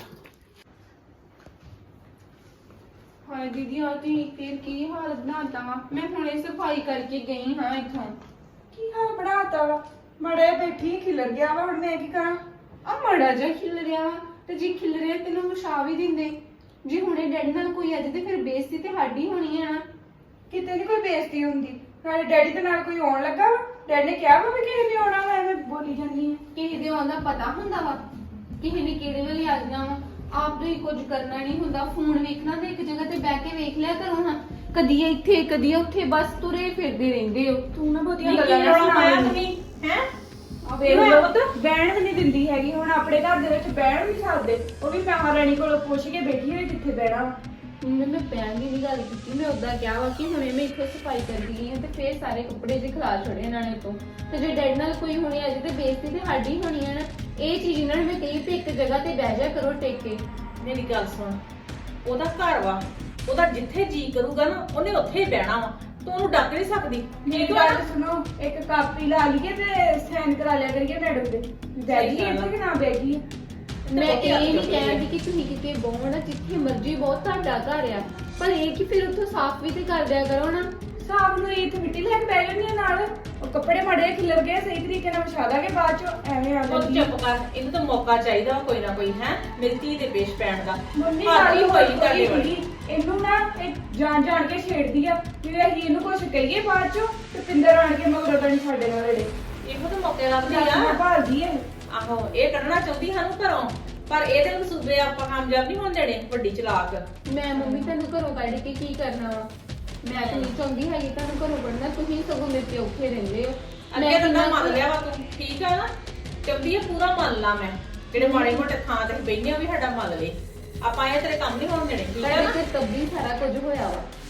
[SPEAKER 1] ਹਾਏ ਦੀਦੀ ਆ ਤੁਸੀਂ ਫਿਰ ਕੀ ਹਾਲ ਬਣਾਤਾ ਵਾ। ਮੈਂ ਹੁਣੇ ਸਫਾਈ ਕਰਕੇ ਗਈ ਹਾਂ ਇੱਥੋਂ।
[SPEAKER 2] ਕੀ ਹਾਲ ਬਣਾਤਾ ਵਾ, ਮੜੇ ਬੈਠੀ ਖਿਲਰ ਗਿਆ ਵਾ, ਹੁਣ ਮੈਂ ਕੀ ਕਰਾਂ।
[SPEAKER 1] ਆ ਮੜਾ ਜਿਹਾ ਖਿਲ ਰਿਹਾ ਵਾ, ਤੇ ਜੇ ਖਿਲ ਰਿਹਾ ਤੈਨੂੰ ਵਿਛਾ ਵੀ ਦਿੰਦੇ। ਜੇ ਹੁਣੇ ਡੈਡੀ ਨਾਲ ਕੋਈ ਅੱਜ ਤੇ ਫਿਰ ਬੇਇੱਜ਼ਤੀ ਤੇ ਸਾਡੀ ਹੋਣੀ ਆ ਨਾ।
[SPEAKER 2] ਕਿਤੇ ਨਹੀਂ ਕੋਈ ਬੇਇੱਜ਼ਤੀ ਹੁੰਦੀ, ਨਾਲੇ ਡੈਡੀ ਦੇ ਨਾਲ ਕੋਈ ਆਉਣ ਲੱਗਾ ਵਾ, ਡੈਡੀ ਨੇ ਕਿਹਾ ਵਾ ਵੀ ਕਿਸੇ ਨੇ ਆਉਣਾ ਵਾ, ਐਵੇਂ ਬੋਲੀ ਜਾਂਦੀ ਹੈ।
[SPEAKER 1] ਕਿਸੇ ਦੇ ਆਉਂਦਾ ਪਤਾ ਹੁੰਦਾ ਵਾ, ਕਿਸੇ ਨੇ ਕਿਹੜੇ ਵੇਲੇ ਆ ਜਾਣਾ ਵਾ। ਆਪ ਤੋਂ ਹੀ ਕੁਝ ਕਰਨਾ ਨਹੀਂ ਹੁੰਦਾ। ਫੋਨ ਵੇਖਣਾ ਤੇ ਇੱਕ ਜਗ੍ਹਾ ਤੇ ਬਹਿ ਕੇ ਵੇਖ ਲਿਆ ਕਰੋ ਹਾਂ, ਕਦੀ ਇੱਥੇ ਕਦੀ ਉੱਥੇ, ਬਸ ਤੁਰੇ ਫਿਰਦੇ ਰਹਿੰਦੇ ਹੋ।
[SPEAKER 2] ਤੂੰ ਨਾ ਬਹੁਤੀਆਂ
[SPEAKER 4] ਨਿੱਕੀ
[SPEAKER 2] ਗੱਲਾਂ ਨਾ
[SPEAKER 4] ਰੌਲਾ ਪਾਇਆ
[SPEAKER 2] ਸੁਣਾ
[SPEAKER 4] ਤੁਸੀਂ ਹੈ।
[SPEAKER 2] ਆ ਵੇਖ ਲਓ, ਬਹਿਣ ਵੀ ਨਹੀਂ ਦਿੰਦੀ ਹੈਗੀ। ਹੁਣ ਆਪਣੇ ਘਰ ਦੇ ਵਿੱਚ ਬਹਿਣ ਵੀ ਨਹੀਂ ਸਕਦੇ, ਉਹ ਵੀ ਮਹਾਰਾਣੀ ਕੋਲੋਂ ਪੁੱਛ ਕੇ ਬੈਠੀ ਹੋਈ ਕਿੱਥੇ ਬਹਿਣਾ।
[SPEAKER 1] ਮੈਂ ਮੈਂ ਪੈਣ ਦੀ ਨਹੀਂ ਗੱਲ ਕੀਤੀ, ਮੈਂ ਉਦਾਂ ਕਿਹਾ ਵਾ ਕਿ ਹੁਣੇ ਮੈਂ ਇੱਥੋਂ ਸਫਾਈ ਕਰਦੀ ਗਈ ਹਾਂ ਤੇ ਫੇਰ ਸਾਰੇ ਕੱਪੜੇ ਜਿਹੇ ਖਿਲਾ ਛੜੇ ਇਹਨਾਂ ਨੇ ਤੋਂ। ਤੇ ਜੇ ਡੈਡ ਨਾਲ ਕੋਈ ਹੋਣੀ ਅੱਜ ਤੇ ਬੇਇੱਜ਼ਤੀ ਤੇ ਸਾਡੀ ਹੋਣੀ ਹੈ ਨਾ। ਇਹ ਚੀਜ਼ ਇਹਨਾਂ ਨੇ ਮੈਂ ਕਹੀ ਤੇ ਇੱਕ ਜਗ੍ਹਾ ਤੇ ਬਹਿ ਜਾ ਕਰੋ ਟੇਕ ਕੇ।
[SPEAKER 4] ਮੇਰੀ ਗੱਲ ਸੁਣ, ਉਹਦਾ ਘਰ ਵਾ, ਉਹਦਾ ਜਿੱਥੇ ਜੀ ਕਰੂਗਾ ਨਾ ਉਹਨੇ ਉੱਥੇ ਹੀ ਬਹਿਣਾ ਵਾ, ਤੂੰ ਉਹਨੂੰ ਡੱਕ ਨਹੀਂ ਸਕਦੀ।
[SPEAKER 2] ਮੇਰੀ ਗੱਲ ਸੁਣੋ, ਇੱਕ ਕਾਪੀ ਲਾ ਲਈਏ ਤੇ ਸਾਈਨ ਕਰਾ ਲਿਆ ਕਰੀਏ ਮੈਡਮ ਦੇ, ਬੈਠੀ ਇੱਥੇ ਕਿ ਨਾ ਬੈਠੀ।
[SPEAKER 1] ਮੈਂ ਇਹ ਨਹੀਂ ਕਹਿੰਦੀ ਕਿ ਤੁਸੀਂ ਕਿਤੇ ਬਹੋ ਨਾ, ਜਿੱਥੇ ਮਰਜ਼ੀ ਬਹੁਤ ਤੁਹਾਡਾ ਘਰ ਆ, ਪਰ ਇਹ ਕਿ ਫਿਰ ਉੱਥੋਂ ਸਾਫ਼ ਵੀ ਤੇ ਕਰ ਦਿਆ ਕਰੋ ਨਾ।
[SPEAKER 2] ਸਾਫ ਨੂੰ ਇੱਥੇ ਮਿੱਟੀ ਲੈ ਕੇ ਬਹਿ ਜਾਂਦੀ ਆ ਨਾਲ, ਉਹ ਕੱਪੜੇ ਮੜੇ ਖਿਲਰ ਗਏ, ਸਹੀ ਤਰੀਕੇ ਨਾਲ ਵਿਛਾ ਦਾਂਗੇ, ਬਾਅਦ ਚ ਐਵੇਂ ਆ
[SPEAKER 4] ਉਹ
[SPEAKER 2] ਜਾਂਦੀ।
[SPEAKER 4] ਚੁੱਪ ਕਰ, ਇਹਨੂੰ ਤਾਂ ਮੌਕਾ ਚਾਹੀਦਾ ਵਾ ਕੋਈ ਨਾ ਕੋਈ ਹੈ ਮੇਰੀ ਧੀ ਦੇ ਪੇਸ਼ ਪੈਣ ਦਾ।
[SPEAKER 2] ਮੰਮੀ
[SPEAKER 4] ਹੱਦ
[SPEAKER 2] ਗੱਲ
[SPEAKER 4] ਹੀ
[SPEAKER 2] ਹੋਈ
[SPEAKER 4] ਹੋਈ ਤੁਹਾਡੇ ਵਾਲੀ।
[SPEAKER 2] ਸੀਗੀ, ਇਹਨੂੰ ਨਾ ਇਹ ਜਾਣ ਜਾਣ ਕੇ ਛੇੜਦੀ ਆ ਵੀ ਅਸੀਂ ਇਹਨੂੰ ਕੁਝ ਕਹੀਏ ਬਾਅਦ ਚ ਤੇ ਪਿੰਦਰ ਆਣ ਕੇ ਮਗਰ ਬਣੀ ਸਾਡੇ ਨਾਲ ਲੜੇ।
[SPEAKER 4] ਇਹੋ ਤਾਂ ਮੌਕੇ ਲੱਭਦੀ
[SPEAKER 2] ਮੈਂ
[SPEAKER 4] ਆ।
[SPEAKER 2] ਭਾਲਦੀ ਹੈ।
[SPEAKER 4] ਆਹੋ ਇਹ ਕੱਢਣਾ ਚਾਹੁੰਦੀ ਸਾਨੂੰ ਘਰੋਂ, ਪਰ ਇਹਦੇ ਮਸੂਬੇ ਆਪਾਂ ਕਾਮਯਾਬ ਨਹੀਂ ਹੋਣ ਦੇਣੇ। ਵੱਡੀ ਚਲਾਕ।
[SPEAKER 1] ਮੈਂ ਮੰਮੀ ਤੁਹਾਨੂੰ ਘਰੋਂ ਕੱਢ ਕੇ ਕੀ ਕਰਨਾ ਵਾ। ਮੈਂ ਤਾਂ ਨਹੀਂ ਚਾਹੁੰਦੀ ਹੈਗੀ ਤੁਹਾਨੂੰ ਘਰੋਂ ਕੱਢਣਾ, ਤੁਸੀਂ ਸਗੋਂ ਮੇਰੇ ਤੇ ਔਖੇ ਰਹਿੰਦੇ ਹੋ।
[SPEAKER 4] ਅੱਗੇ ਤਾਂ ਨਾ ਮੰਨ ਲਿਆ ਵਾ ਤੂੰ, ਠੀਕ ਆ ਨਾ, ਚਾਹੁੰਦੀ ਆ ਪੂਰਾ ਮੰਨ ਲਾ। ਮੈਂ ਜਿਹੜੇ ਮਾੜੇ ਮੋਟੇ ਥਾਂ ਤੇ ਬੈਠੇ ਆ ਵੀ ਸਾਡਾ ਮੰਨ ਲੈ, ਆਪਾਂ ਇਹ ਤੇਰੇ ਕੰਮ ਨਹੀਂ ਹੋਣ ਦੇਣੇ, ਠੀਕ ਆ
[SPEAKER 1] ਤੁਹਾਡੇ
[SPEAKER 4] ਨਾ।
[SPEAKER 1] ਤੇ ਤੱਬੀ ਸਾਰਾ ਕੁਝ ਹੋਇਆ ਵਾ।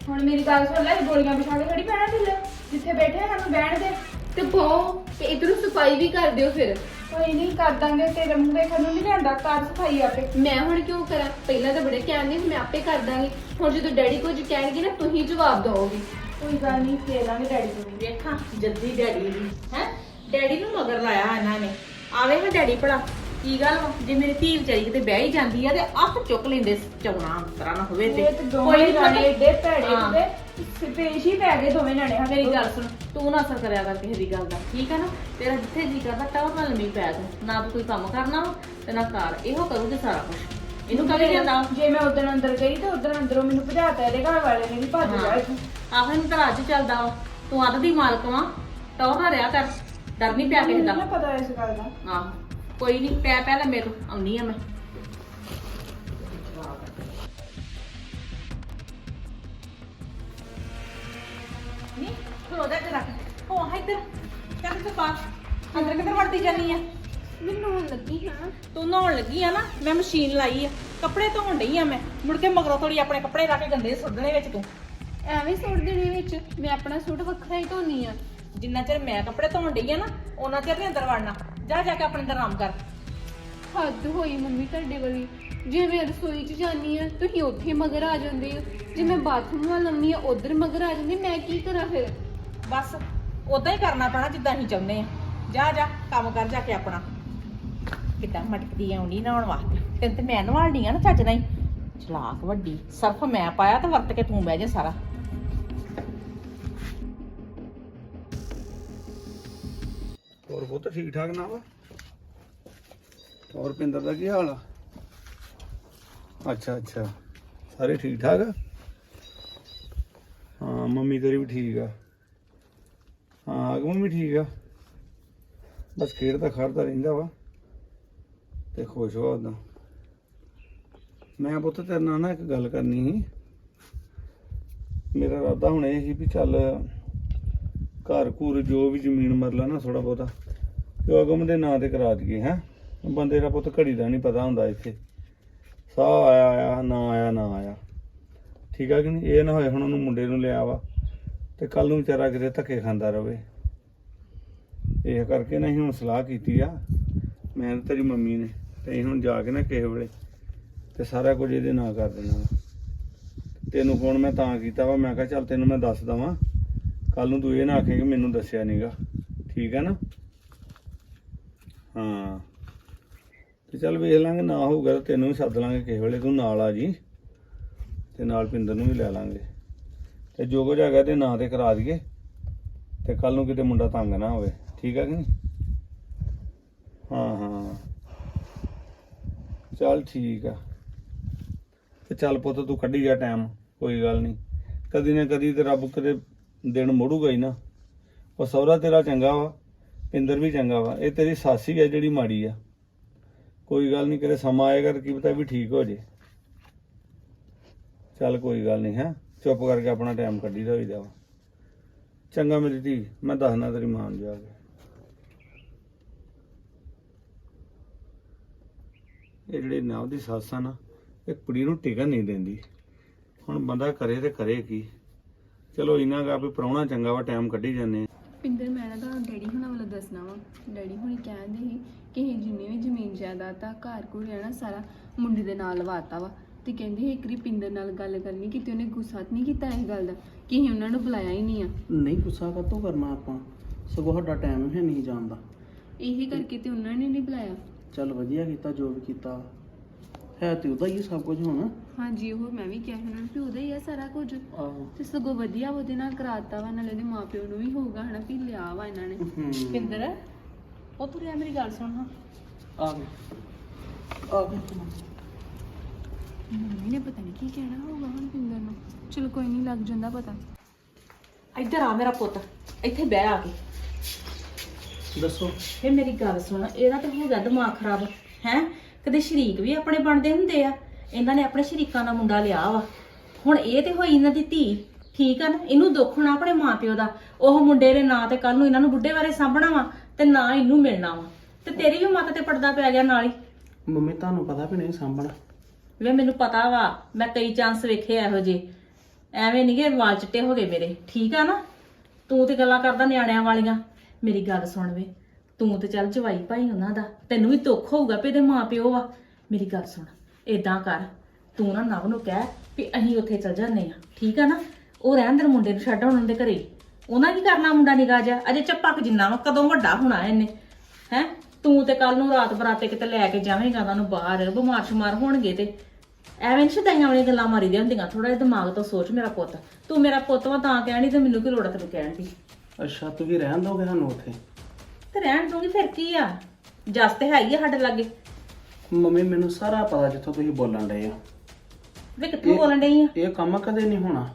[SPEAKER 2] ਹੁਣ ਮੇਰੀ ਗੱਲ ਸੁਣ ਲੈ, ਗੋਲੀਆਂ ਵਿਛਾ ਕੇ ਖੜੀ ਪੈਣਾ ਥੱਲੇ, ਜਿੱਥੇ ਬੈਠੇ ਆ ਸਾਨੂੰ ਬਹਿਣ ਦੇ।
[SPEAKER 1] ਤੇ ਬਹੁ ਤੇ ਇਧਰੋਂ ਸਫਾਈ ਵੀ ਕਰ ਦਿਓ ਫਿਰ।
[SPEAKER 2] ਕੋਈ ਨਹੀਂ ਕਰ ਦਾਂਗੇ, ਤੇਰੇ ਮੂੰਹ ਦੇਖਣ ਨੂੰ ਨਹੀਂ ਲਿਆਂਦਾ, ਕਰ ਸਫਾਈ ਆਪੇ।
[SPEAKER 1] ਮੈਂ ਹੁਣ ਕਿਉਂ ਕਰਾਂ? ਪਹਿਲਾਂ ਤਾਂ ਬੜੇ ਕਹਿੰਦੇ ਸੀ ਮੈਂ ਆਪੇ ਕਰ ਦਾਂਗੀ, ਹੁਣ ਜਦੋਂ ਡੈਡੀ ਕੁਝ ਕਹਿਣਗੇ ਨਾ ਤੁਸੀਂ ਜਵਾਬ ਦਿਓਗੇ।
[SPEAKER 2] ਕੋਈ ਗੱਲ ਨਹੀਂ, ਦੇ ਦਾਂਗੇ ਡੈਡੀ ਨੂੰ ਵੀ।
[SPEAKER 4] ਵੇਖਾਂ ਜੱਦੀ ਡੈਡੀ ਦੀ ਹੈ ਡੈਡੀ ਨੂੰ ਮਗਰ ਲਾਇਆ ਇਹਨਾਂ ਨੇ। ਆਵੇ ਹਾਂ ਡੈਡੀ ਭਲਾ ਕੀ ਗੱਲ ਵਾ, ਜੇ ਮੇਰੀ ਧੀ ਵਿਚਾਰੀ ਕਿਤੇ ਬਹਿ ਹੀ ਜਾਂਦੀ ਆ ਤੇ ਅੱਖ ਚੁੱਕ ਲੈਂਦੇ ਚੌਣਾ ਅੰਤਰਾ ਨਾ ਹੋਵੇ ਤੇ
[SPEAKER 2] ਇਹ ਤੇ ਦੋਵੇਂ
[SPEAKER 4] ਨੀ
[SPEAKER 2] ਜਾਣੇ
[SPEAKER 4] ਪਤਾ-
[SPEAKER 2] ਏਡੇ ਭੈੜੇ
[SPEAKER 4] ਹਾਂ।
[SPEAKER 2] ਕਿਤੇ ਪੇਸ਼ ਹੀ ਪੈ ਗਏ ਦੋਵੇਂ ਜਾਣੇ। ਹਾਂ
[SPEAKER 4] ਮੇਰੀ ਗੱਲ ਸੁਣ, ਤੂੰ ਨਾ ਅਸਰ ਕਰਿਆ ਕਰ ਕਿਸੇ ਦੀ ਗੱਲ ਦਾ, ਠੀਕ ਆ ਨਾ? ਤੇਰਾ ਜਿੱਥੇ ਜੀ ਕਰਦਾ ਟੌਰ ਨਾਲ ਲੰਮੀ ਪੈ ਤੂੰ, ਨਾ ਤੂੰ ਕੋਈ ਕੰਮ ਕਰਨਾ ਵਾ ਤੇ ਨਾ ਕਰ, ਇਹੋ ਕਰੂਗੀ ਸਾਰਾ ਕੁਝ। ਇਹਨੂੰ ਕਦੇ ਜਾਂਦਾ
[SPEAKER 2] ਜੇ ਮੈਂ ਉਦੋਂ ਅੰਦਰ ਗਈ ਤੇ ਉਦੋਂ ਅੰਦਰੋਂ ਮੈਨੂੰ ਭਜਾਤਾ ਇਹਦੇ ਘਰ ਵਾਲੇ ਨੇ ਵੀ ਭੱਜ ਜਾ ਇੱਥੋਂ।
[SPEAKER 4] ਆਹ ਇਹਨੂੰ ਤਾਂ ਅੱਜ ਚੱਲਦਾ ਵਾ, ਤੂੰ ਅੱਧ ਦੀ ਮਾਲਕ ਵਾ, ਟੌਰ ਨਾ ਰਿਆ ਕਰ, ਡਰ ਨਹੀਂ ਪਿਆ ਕਿਸੇ ਦਾ।
[SPEAKER 2] ਮੈਨੂੰ ਨਾ ਪਤਾ ਇਸ ਗੱਲ ਦਾ।
[SPEAKER 4] ਆਹ ਕੋਈ ਨਹੀਂ, ਪੈ ਪੈ ਲੈ ਮੇਰੇ ਤੋਂ ਆਉਣੀ ਆ ਮੈਂ। ਨੀ ਖਲੋ ਜਾ ਜਰਾ, ਹੋ ਆ ਇੱਧਰ, ਚੱਲ ਤੇ ਬਾਹਰ ਅੰਦਰ ਕਿੱਧਰ ਵੜਦੀ ਜਾਨੀ ਆ?
[SPEAKER 1] ਮੈਨੂੰ ਹੁਣ ਲੱਗੀ ਹਾਂ
[SPEAKER 4] ਤੂੰ ਨਹਾਉਣ ਲੱਗੀ ਆ ਨਾ, ਮੈਂ ਮਸ਼ੀਨ ਲਾਈ ਆ, ਕੱਪੜੇ ਧੋਣ ਡਈ ਆ ਮੈਂ, ਮੁੜ ਕੇ ਮਗਰੋਂ ਥੋੜੀ ਆਪਣੇ ਕੱਪੜੇ ਲਾ ਕੇ ਗੰਦੇ ਸੁੱਟਣੇ ਵਿੱਚ ਤੂੰ।
[SPEAKER 1] ਐਵੇਂ ਸੁੱਟ ਦੇਣੇ ਵਿੱਚ, ਮੈਂ ਆਪਣਾ ਸੂਟ ਵੱਖਰਾ ਹੀ ਧੋਨੀ ਆ।
[SPEAKER 4] ਜਿੰਨਾ ਚਿਰ ਮੈਂ ਕੱਪੜੇ ਧੋਣ ਡਈ ਆ ਨਾ, ਉਹਨਾਂ ਚਿਰ ਨਹੀਂ ਅੰਦਰ ਵੜਨਾ। ਜਾ ਜਾ ਕੇ ਆਪਣੇ ਅੰਦਰ ਆਰਾਮ ਕਰ।
[SPEAKER 1] ਹੱਦ ਹੋਈ ਮੰਮੀ ਤੁਹਾਡੇ ਵਾਲੀ, ਜੇ ਮੈਂ ਰਸੋਈ 'ਚ ਜਾਨੀ ਆ ਤੁਸੀਂ ਉੱਥੇ ਮਗਰ ਆ ਜਾਂਦੇ ਹੋ, ਜੇ ਮੈਂ ਬਾਥਰੂਮ ਵੱਲ ਲੰਮੀ ਆ ਉਧਰ ਮਗਰ ਆ ਜਾਂਦੇ, ਮੈਂ ਕੀ ਕਰਾਂ ਫਿਰ?
[SPEAKER 4] ਬਸ ਉਦਾਂ ਹੀ ਕਰਨਾ ਪੈਣਾ ਜਿੱਦਾਂ ਅਸੀਂ ਚਾਹੁੰਦੇ ਆ। ਜਾ ਜਾ ਕੰਮ ਕਰ ਜਾ ਕੇ ਆਪਣਾ। ਕਿੱਦਾਂ ਮਟਕਦੀ ਆਉਣੀ ਨਹਾਉਣ ਵਾਸਤੇ, ਤੈਨੂੰ ਤੇ ਮੈਂ ਨਵਾਲਣੀ ਆ ਨਾ ਚੱਜ ਨਾਲ ਹੀ। ਚਲਾਕ ਵੱਡੀ, ਸਰਫ ਮੈਂ ਪਾਇਆ ਤੇ ਵਰਤ ਕੇ ਤੂੰ ਬਹਿ ਜਾ ਸਾਰਾ।
[SPEAKER 3] ਹੋਰ ਪੁੱਤ ਠੀਕ ਠਾਕ ਨਾ ਵਾ? ਹੋਰ ਪਿੰਦਰ ਦਾ ਕੀ ਹਾਲ ਆ? ਅੱਛਾ ਅੱਛਾ, ਸਾਰੇ ਠੀਕ ਠਾਕ ਆ? ਹਾਂ ਮੰਮੀ ਤੇਰੀ ਵੀ ਠੀਕ ਆ। ਹਾਂ ਅਗਮ ਵੀ ਠੀਕ ਆ, ਬਸ ਖੇਡਦਾ ਖੜਦਾ ਰਹਿੰਦਾ ਵਾ ਤੇ ਖੁਸ਼ ਵਾ ਉਦਾਂ। ਮੈਂ ਪੁੱਤ ਤੇਰੇ ਨਾਲ ਨਾ ਇੱਕ ਗੱਲ ਕਰਨੀ ਸੀ। ਮੇਰਾ ਇਰਾਦਾ ਹੁਣ ਇਹ ਸੀ ਵੀ ਚੱਲ ਘਰ ਘੂਰ ਜੋ ਵੀ ਜ਼ਮੀਨ ਮਰਲਾ ਨਾ ਥੋੜਾ ਬਹੁਤਾ ਤੇ ਅਗਮ ਦੇ ਨਾਂ ਤੇ ਕਰਾ ਦਈਏ। ਹੈਂ ਬੰਦੇ ਦਾ ਪੁੱਤ ਘੜੀ ਦਾ ਨਹੀਂ ਪਤਾ ਹੁੰਦਾ, ਇੱਥੇ ਸਾਹ ਆਇਆ ਆਇਆ ਨਾ ਆਇਆ ਨਾ ਆਇਆ, ਠੀਕ ਆ ਕਿ ਨਹੀਂ? ਇਹ ਨਾ ਹੋਏ ਹੁਣ ਉਹਨੂੰ ਮੁੰਡੇ ਨੂੰ ਲਿਆ ਵਾ ਤੇ ਕੱਲ ਨੂੰ ਵਿਚਾਰਾ ਕਿਤੇ ਧੱਕੇ ਖਾਂਦਾ ਰਵੇ। ਇਹ ਕਰਕੇ ਨਾ ਅਸੀਂ ਹੁਣ ਸਲਾਹ ਕੀਤੀ ਆ ਮੈਂ ਤੇ ਤੇਰੀ ਮੰਮੀ ਨੇ, ਤੇ ਅਸੀਂ ਹੁਣ ਜਾ ਕੇ ਨਾ ਕਿਸੇ ਵੇਲੇ ਤੇ ਸਾਰਾ ਕੁਝ ਇਹਦੇ ਨਾਂ ਕਰ ਦੇਣਾ ਵਾ। ਤੈਨੂੰ ਫੋਨ ਮੈਂ ਤਾਂ ਕੀਤਾ ਵਾ, ਮੈਂ ਕਿਹਾ ਚੱਲ ਤੈਨੂੰ ਮੈਂ ਦੱਸ ਦਵਾਂ, ਕੱਲ ਨੂੰ ਤੂੰ ਇਹ ਨਾ ਆਖੇ ਕਿ ਮੈਨੂੰ ਦੱਸਿਆ ਨਹੀਂਗਾ, ਠੀਕ ਹੈ ਨਾ? ਹਾਂ ਤੇ ਚੱਲ ਵੇਖ ਲਾਂਗੇ, ਨਾ ਹੋਊਗਾ ਤਾਂ ਤੈਨੂੰ ਵੀ ਸੱਦ ਲਾਂਗੇ ਕਿਸੇ ਵੇਲੇ, ਤੂੰ ਨਾਲ ਆ ਜੀ ਤੇ ਨਾਲ ਪਿੰਦਰ ਨੂੰ ਵੀ ਲੈ ਲਾਂਗੇ ਤੇ ਜੋ ਕੁਝ ਹੈਗਾ ਤੇ ਨਾਂ ਤੇ ਕਰਾ ਦਈਏ ਤੇ ਕੱਲ ਨੂੰ ਕਿਤੇ ਮੁੰਡਾ ਤੰਗ ਨਾ ਹੋਵੇ, ਠੀਕ ਹੈ ਕਿ ਨਹੀਂ? ਹਾਂ ਹਾਂ ਚੱਲ ਠੀਕ ਆ। ਤੇ ਚੱਲ ਪੁੱਤ ਤੂੰ ਕੱਢੀ ਜਾ ਟਾਈਮ, ਕੋਈ ਗੱਲ ਨਹੀਂ, ਕਦੀ ਨਾ ਕਦੀ ਤੇ ਰੱਬ ਕਦੇ ਦਿਨ ਮੋੜੂਗਾ ਹੀ ਨਾ। ਉਹ ਸਹੁਰਾ ਤੇਰਾ ਚੰਗਾ ਵਾ, ਪਿੰਦਰ ਵੀ ਚੰਗਾ ਵਾ, ਇਹ ਤੇਰੀ ਸੱਸ ਹੀ ਆ ਜਿਹੜੀ ਮਾੜੀ ਆ। ਕੋਈ ਗੱਲ ਨਹੀਂ, ਕਿਤੇ ਸਮਾਂ ਆਏਗਾ ਤਾਂ ਕੀ ਪਤਾ ਵੀ ਠੀਕ ਹੋ ਜੇ। ਚੱਲ ਕੋਈ ਗੱਲ ਨਹੀਂ, ਹੈ ਚੁੱਪ ਕਰਕੇ ਆਪਣਾ ਟਾਈਮ ਕੱਢੀ ਦਾ ਹੋਈਦਾ ਵਾ। ਚੰਗਾ ਮੇਰੀ ਧੀ, ਮੈਂ ਦੱਸਣਾ ਤੇਰੀ ਮਾਂ ਨੂੰ ਜਾ ਕੇ। ਇਹ ਜਿਹੜੀ ਨਾਵ ਦੀ ਸੱਸ ਆ ਨਾ, ਇਹ ਕੁੜੀ ਨੂੰ ਟਿਕਣ ਨਹੀਂ ਦਿੰਦੀ। ਹੁਣ ਬੰਦਾ ਕਰੇ ਤੇ ਕਰੇ ਕੀ? ਚਲੋ ਇਹਨਾਂ ਗਾ ਵੀ ਪ੍ਰਾਹੁਣਾ ਚੰਗਾ ਵਾ, ਟਾਈਮ ਕੱਢੀ ਜਾਂਦੇ।
[SPEAKER 1] ਪਿੰਦਰ ਮੈਂ ਨਾ ਤੁਹਾਨੂੰ ਡੈਡੀ ਹੁਣਾਂ ਵੱਲੋਂ ਦੱਸਣਾ ਵਾ। ਡੈਡੀ ਹੁਣੀ ਕਹਿੰਦੇ ਸੀ ਕਿ ਇਹ ਜਿੰਨੀ ਵੀ ਜ਼ਮੀਨ ਜਾਇਦਾਦ ਆ ਘਰ ਘੁਰ ਹੈ ਨਾ ਸਾਰਾ ਮੁੰਡੇ ਦੇ ਨਾਲ ਲਵਾਤਾ ਵਾ, ਤੇ ਕਹਿੰਦੇ ਸੀ ਇੱਕ ਵਾਰੀ ਪਿੰਦਰ ਨਾਲ ਗੱਲ ਕਰਨੀ, ਕਿਤੇ ਉਹਨੇ ਗੁੱਸਾ ਤਾਂ ਨਹੀਂ ਕੀਤਾ ਇਸ ਗੱਲ ਦਾ ਕਿ ਅਸੀਂ ਉਹਨਾਂ ਨੂੰ ਬੁਲਾਇਆ ਹੀ ਨਹੀਂ ਆ।
[SPEAKER 6] ਨਹੀਂ ਗੁੱਸਾ ਕਾਹਤੋਂ ਕਰਨਾ ਆਪਾਂ, ਸਗੋਂ ਸਾਡਾ ਟਾਈਮ ਹੈ ਨਹੀਂ ਜਾਣਦਾ।
[SPEAKER 1] ਇਹੀ ਕਰਕੇ ਤੇ ਉਹਨਾਂ ਨੇ ਨਹੀਂ ਬੁਲਾਇਆ।
[SPEAKER 6] ਚੱਲ ਵਧੀਆ ਕੀਤਾ ਜੋ ਵੀ ਕੀਤਾ, ਹੈ ਤੇ ਉਹਦਾ ਹੀ ਸਭ ਕੁਝ ਹੁਣ।
[SPEAKER 1] ਹਾਂਜੀ ਉਹ ਮੈਂ ਵੀ ਕਿਹਾ ਸੀ ਉਹਨਾਂ ਨੂੰ ਵੀ ਉਹਦਾ ਹੀ ਆ ਸਾਰਾ ਕੁਝ,
[SPEAKER 6] ਆਹੋ
[SPEAKER 1] ਤੇ ਸਗੋਂ ਵਧੀਆ ਉਹਦੇ ਨਾਲ ਕਰਾਤਾ ਵਾ, ਨਾਲੇ ਉਹਦੇ ਮਾਪਿਓ ਨੂੰ ਵੀ ਹੋਊਗਾ ਹਨਾ ਵੀ ਲਿਆ ਵਾ ਇਹਨਾਂ ਨੇ।
[SPEAKER 6] ਹੂੰ
[SPEAKER 4] ਪਿੰਦਰ ਉਹ ਤੂੰ ਰਿਆ ਮੇਰੀ ਗੱਲ ਸੁਣ ਹਾਂ।
[SPEAKER 6] ਆ ਗਏ ਆ ਗਏ
[SPEAKER 1] ਮੰਮੀ ਨੇ ਪਤਾ ਨਹੀਂ ਕੀ ਕਹਿਣਾ ਹੋਊਗਾ ਹੁਣ ਪਿੰਦਰ ਨੂੰ। ਚਲੋ ਕੋਈ ਨਹੀਂ, ਲੱਗ ਜਾਂਦਾ ਪਤਾ।
[SPEAKER 4] ਇੱਧਰ ਆ ਮੇਰਾ ਪੁੱਤ, ਇੱਥੇ ਬਹਿ ਆ ਕੇ।
[SPEAKER 6] ਦੱਸੋ।
[SPEAKER 4] ਫੇ ਮੇਰੀ ਗੱਲ ਸੁਣ, ਇਹਦਾ ਤਾਂ ਹੋ ਗਿਆ ਦਿਮਾਗ ਖਰਾਬ ਹੈ। ਕਦੇ ਸ਼ਰੀਕ ਵੀ ਆਪਣੇ ਬਣਦੇ ਹੁੰਦੇ ਆ, ਇਹਨਾਂ ਨੇ ਆਪਣੇ ਸ਼ਰੀਕਾਂ ਦਾ ਮੁੰਡਾ ਲਿਆ ਵਾ, ਹੁਣ ਇਹ ਤੇ ਹੋਈ ਇਹਨਾਂ ਦੀ ਧੀ, ਠੀਕ ਆ ਨਾ? ਇਹਨੂੰ ਦੁੱਖ ਹੋਣਾ ਆਪਣੇ ਮਾਪਿਓ ਦਾ, ਉਹ ਮੁੰਡੇ ਦੇ ਨਾਂ ਤੇ ਕੱਲ ਨੂੰ ਇਹਨਾਂ ਨੂੰ ਬੁੱਢੇ ਬਾਰੇ ਸਾਂਭਣਾ ਵਾ ਤੇ ਨਾ ਇਹਨੂੰ ਮਿਲਣਾ ਵਾ, ਤੇ ਤੇਰੀ ਵੀ ਮੱਤ ਤੇ ਪਰਦਾ ਪੈ ਗਿਆ ਨਾਲ ਹੀ।
[SPEAKER 6] ਮੰਮੀ ਤੁਹਾਨੂੰ ਪਤਾ ਵੀ ਨਹੀਂ ਸਾਂਭਣਾ।
[SPEAKER 4] ਵੇ ਮੈਨੂੰ ਪਤਾ ਵਾ, ਮੈਂ ਕਈ ਚਾਂਸ ਵੇਖੇ ਇਹੋ ਜਿਹੇ, ਐਵੇਂ ਨਹੀਂ ਕਿ ਵਾਲ ਚਿੱਟੇ ਹੋ ਗਏ ਮੇਰੇ, ਠੀਕ ਆ ਨਾ? ਤੂੰ ਤੇ ਗੱਲਾਂ ਕਰਦਾ ਨਿਆਣਿਆਂ ਵਾਲੀਆਂ। ਮੇਰੀ ਗੱਲ ਸੁਣ ਵੇ, ਤੂੰ ਤੇ ਚੱਲ ਜਵਾਈ ਭਾਈ ਉਹਨਾਂ ਦਾ, ਤੈਨੂੰ ਵੀ ਦੁੱਖ ਹੋਊਗਾ ਵੀ ਇਹਦੇ ਮਾਂ ਪਿਓ ਵਾ। ਮੇਰੀ ਗੱਲ ਸੁਣ, ਏਦਾਂ ਕਰ, ਤੂੰ ਨਾ ਨਵ ਨੂੰ ਕਹਿ ਵੀ ਅਸੀਂ ਉੱਥੇ ਚੱਲ ਜਾਂਦੇ ਆ, ਠੀਕ ਆ ਨਾ? ਉਹ ਰਹਿਣ ਦੇ ਮੁੰਡੇ ਨੂੰ ਛੱਡ ਉਹਨਾਂ ਦੇ ਘਰੇ। ਉਹਨਾਂ ਕੀ ਕਰਨਾ ਮੁੰਡਾ ਨਿਗਾਹ ਜਾ, ਅਜੇ ਚੱਪਕ ਜਿੰਨਾ ਵਾ, ਕਦੋਂ ਵੱਡਾ ਹੋਣਾ ਇਹਨੇ ਹੈ? ਤੂੰ ਤੇ ਕੱਲ ਨੂੰ ਰਾਤ ਬਰਾਤੇ ਕਿਤੇ ਲੈ ਕੇ ਜਾਵੇਂਗਾ ਉਹਨਾਂ ਨੂੰ ਬਾਹਰ, ਬਿਮਾਰ ਸ਼ਮਾਰ ਹੋਣਗੇ ਤੇ ਐਵੇਂ ਸ਼ਦਾਈਆਂ ਵਾਲੀਆਂ ਗੱਲਾਂ ਮਾਰੀਦੀਆਂ ਹੁੰਦੀਆਂ। ਥੋੜਾ ਜਿਹਾ ਦਿਮਾਗ ਤੋਂ ਸੋਚ ਮੇਰਾ ਪੁੱਤ, ਤੂੰ ਮੇਰਾ ਪੁੱਤ ਵਾ ਤਾਂ ਕਹਿਣੀ, ਤੇ ਮੈਨੂੰ ਕੀ ਲੋੜ ਆ ਤੈਨੂੰ ਕਹਿਣ ਦੀ?
[SPEAKER 6] ਅੱਛਾ ਤੂੰ ਵੀ ਰਹਿਣ ਦੋਗੇ ਸਾਨੂੰ ਉੱਥੇ?
[SPEAKER 4] ਤੇ ਰਹਿਣ ਦੂੰਗੀ ਫਿਰ ਕੀ ਆ, ਜਸ ਤੇ ਹੈ ਹੀ ਆ ਸਾਡੇ ਲਾਗੇ।
[SPEAKER 6] ਮੰਮੀ ਮੈਨੂੰ ਸਾਰਾ ਪਤਾ ਜਿੱਥੋਂ ਤੁਸੀਂ ਬੋਲਣ ਡਏ ਆ।
[SPEAKER 4] ਵੇ ਕਿੱਥੋਂ ਬੋਲਣ ਡਈ ਆ?
[SPEAKER 6] ਇਹ ਕੰਮ ਕਦੇ ਨਹੀਂ ਹੋਣਾ।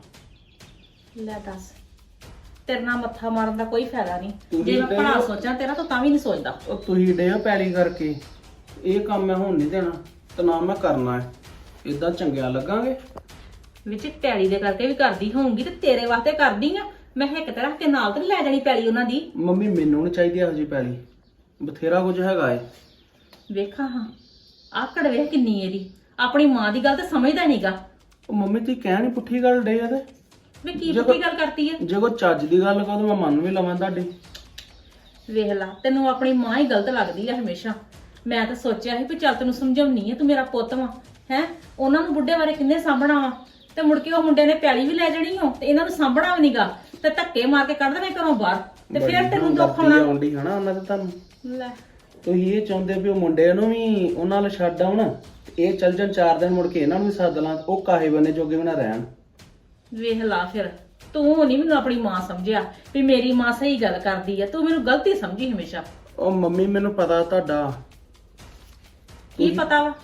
[SPEAKER 4] ਲੈ ਦੱਸ, ਤੇਰੇ ਨਾਲ ਮੱਥਾ ਮਾਰਨ ਦਾ ਕੋਈ ਫਾਇਦਾ ਨਹੀਂ।
[SPEAKER 6] ਤੂੰ
[SPEAKER 4] ਜੇ
[SPEAKER 6] ਵੀ
[SPEAKER 4] ਮੈਂ
[SPEAKER 6] ਤੇ-
[SPEAKER 4] ਭਲਾ ਸੋਚਾਂ ਤੇਰਾ ਤਾਂ ਤਾਂ ਵੀ ਨਹੀਂ ਸੋਚਦਾ।
[SPEAKER 6] ਉਹ ਤੁਸੀਂ ਡੇ ਪੈਲੀ ਕਰਕੇ, ਇਹ ਕੰਮ ਮੈਂ ਹੁਣ ਨਹੀਂ ਦੇਣਾ ਤੇ ਨਾ ਮੈਂ ਕਰਨਾ ਹੈ। ਇਦਾਂ ਚੰਗਿਆ ਲੱਗਾਂਗੇ?
[SPEAKER 4] ਵਿੱਚ ਪੈਲੀ ਦੇ ਕਰਕੇ ਵੀ ਕਰਦੀ ਹੋਊਂਗੀ ਤੇ ਤੇਰੇ ਵਾਸਤੇ ਕਰਦੀ ਆ। ਮੈਂ ਹਿੱਕ ਤੇ ਰੱਖ ਕੇ ਨਾਲ ਤੇ ਨੀ ਲੈ ਜਾਣੀ ਪੈਲੀ ਉਹਨਾਂ ਦੀ।
[SPEAKER 6] ਮੰਮੀ ਮੈਨੂੰ ਨਹੀਂ ਚਾਹੀਦੀ ਇਹੋ ਜਿਹੀ ਪੈਲੀ, ਬਥੇਰਾ ਕੁਝ ਹੈਗਾ ਏ।
[SPEAKER 4] ਵੇਖਾਂ ਹਾਂ, ਆਕੜ ਵੇਖ ਕਿੰਨੀ ਇਹਦੀ, ਆਪਣੀ ਮਾਂ ਦੀ ਗੱਲ ਤਾਂ ਸਮਝਦਾ ਨਹੀਂਗਾ।
[SPEAKER 6] ਉਹ ਮੰਮੀ ਤੁਸੀਂ ਕਹਿ ਨਹੀਂ ਪੁੱਠੀ ਗੱਲ ਡੇ ਆ ਤੇ
[SPEAKER 4] ਵੇ ਕੀ
[SPEAKER 6] ਜੇ
[SPEAKER 4] ਪੁੱਠੀ
[SPEAKER 6] ਕੋਈ-
[SPEAKER 4] ਗੱਲ ਕਰਤੀ ਆ?
[SPEAKER 6] ਜੇ ਕੋਈ ਚੱਜ ਦੀ ਗੱਲ ਕਹੋ ਤਾਂ ਮੈਂ ਮੰਨ ਵੀ ਲਵਾਂ ਤੁਹਾਡੀ।
[SPEAKER 4] ਵੇਖ ਲਾ, ਤੈਨੂੰ ਆਪਣੀ ਮਾਂ ਹੀ ਗਲਤ ਲੱਗਦੀ ਆ ਹਮੇਸ਼ਾ। ਮੈਂ ਤਾਂ ਸੋਚਿਆ ਸੀ ਵੀ ਚੱਲ ਤੈਨੂੰ ਸਮਝਾਉਣੀ ਆ, ਤੂੰ ਮੇਰਾ ਪੁੱਤ ਵਾ ਹੈ। ਉਹਨਾਂ ਨੂੰ ਬੁੱਢੇ ਬਾਰੇ ਕਿੰਨੇ ਸਾਂਭਣਾ ਵਾ, ਤੇ ਮੁੜ ਕੇ ਉਹ ਮੁੰਡੇ ਨੇ ਪੈਲੀ ਵੀ ਲੈ ਜਾਣੀ ਹੋ ਤੇ ਇਹਨਾਂ ਨੂੰ ਸਾਂਭਣਾ ਵੀ ਨੀਗਾ, ਤੇ ਧੱਕੇ ਮਾਰ ਕੇ ਕੱਢ ਦੇਣੇ ਘਰੋਂ ਬਾਹਰ, ਤੇ ਫਿਰ ਤੈਨੂੰ ਦੁੱਖ ਆਉਣਾ।
[SPEAKER 6] ਆਉਂਦੀ ਹਨਾ ਉਹਨਾਂ ਤੇ ਤੁਹਾਨੂੰ।
[SPEAKER 4] ਲੈ
[SPEAKER 6] ਤੁਸੀਂ ਇਹ ਚਾਹੁੰਦੇ ਵੀ ਉਹ ਮੁੰਡੇ ਨੂੰ ਵੀ ਉਹਨਾਂ ਨਾਲ ਛੱਡ ਆਉਣ, ਤੇ ਇਹ ਚੱਲ ਜਾਣ ਚਾਰ ਦਿਨ, ਮੁੜ ਕੇ ਇਹਨਾਂ ਨੂੰ ਵੀ ਸੱਦ ਲਾਂ, ਉਹ ਕਾਹੇ ਬਨੇ ਜੋਗੇ ਵੀ ਨਾ ਰਹਿਣ।
[SPEAKER 4] ਵੇਖ ਲਾ, ਫਿਰ ਤੂੰ ਨਹੀਂ ਮੈਨੂੰ ਆਪਣੀ ਮਾਂ ਸਮਝਿਆ ਵੀ ਮੇਰੀ ਮਾਂ ਸਹੀ ਗੱਲ ਕਰਦੀ ਆ, ਤੂੰ ਮੈਨੂੰ ਗਲਤੀ ਸਮਝੀ ਹਮੇਸ਼ਾ।
[SPEAKER 6] ਉਹ ਮੰਮੀ ਮੈਨੂੰ ਪਤਾ ਤੁਹਾਡਾ
[SPEAKER 4] ਕੀ ਪਤਾ ਵਾ?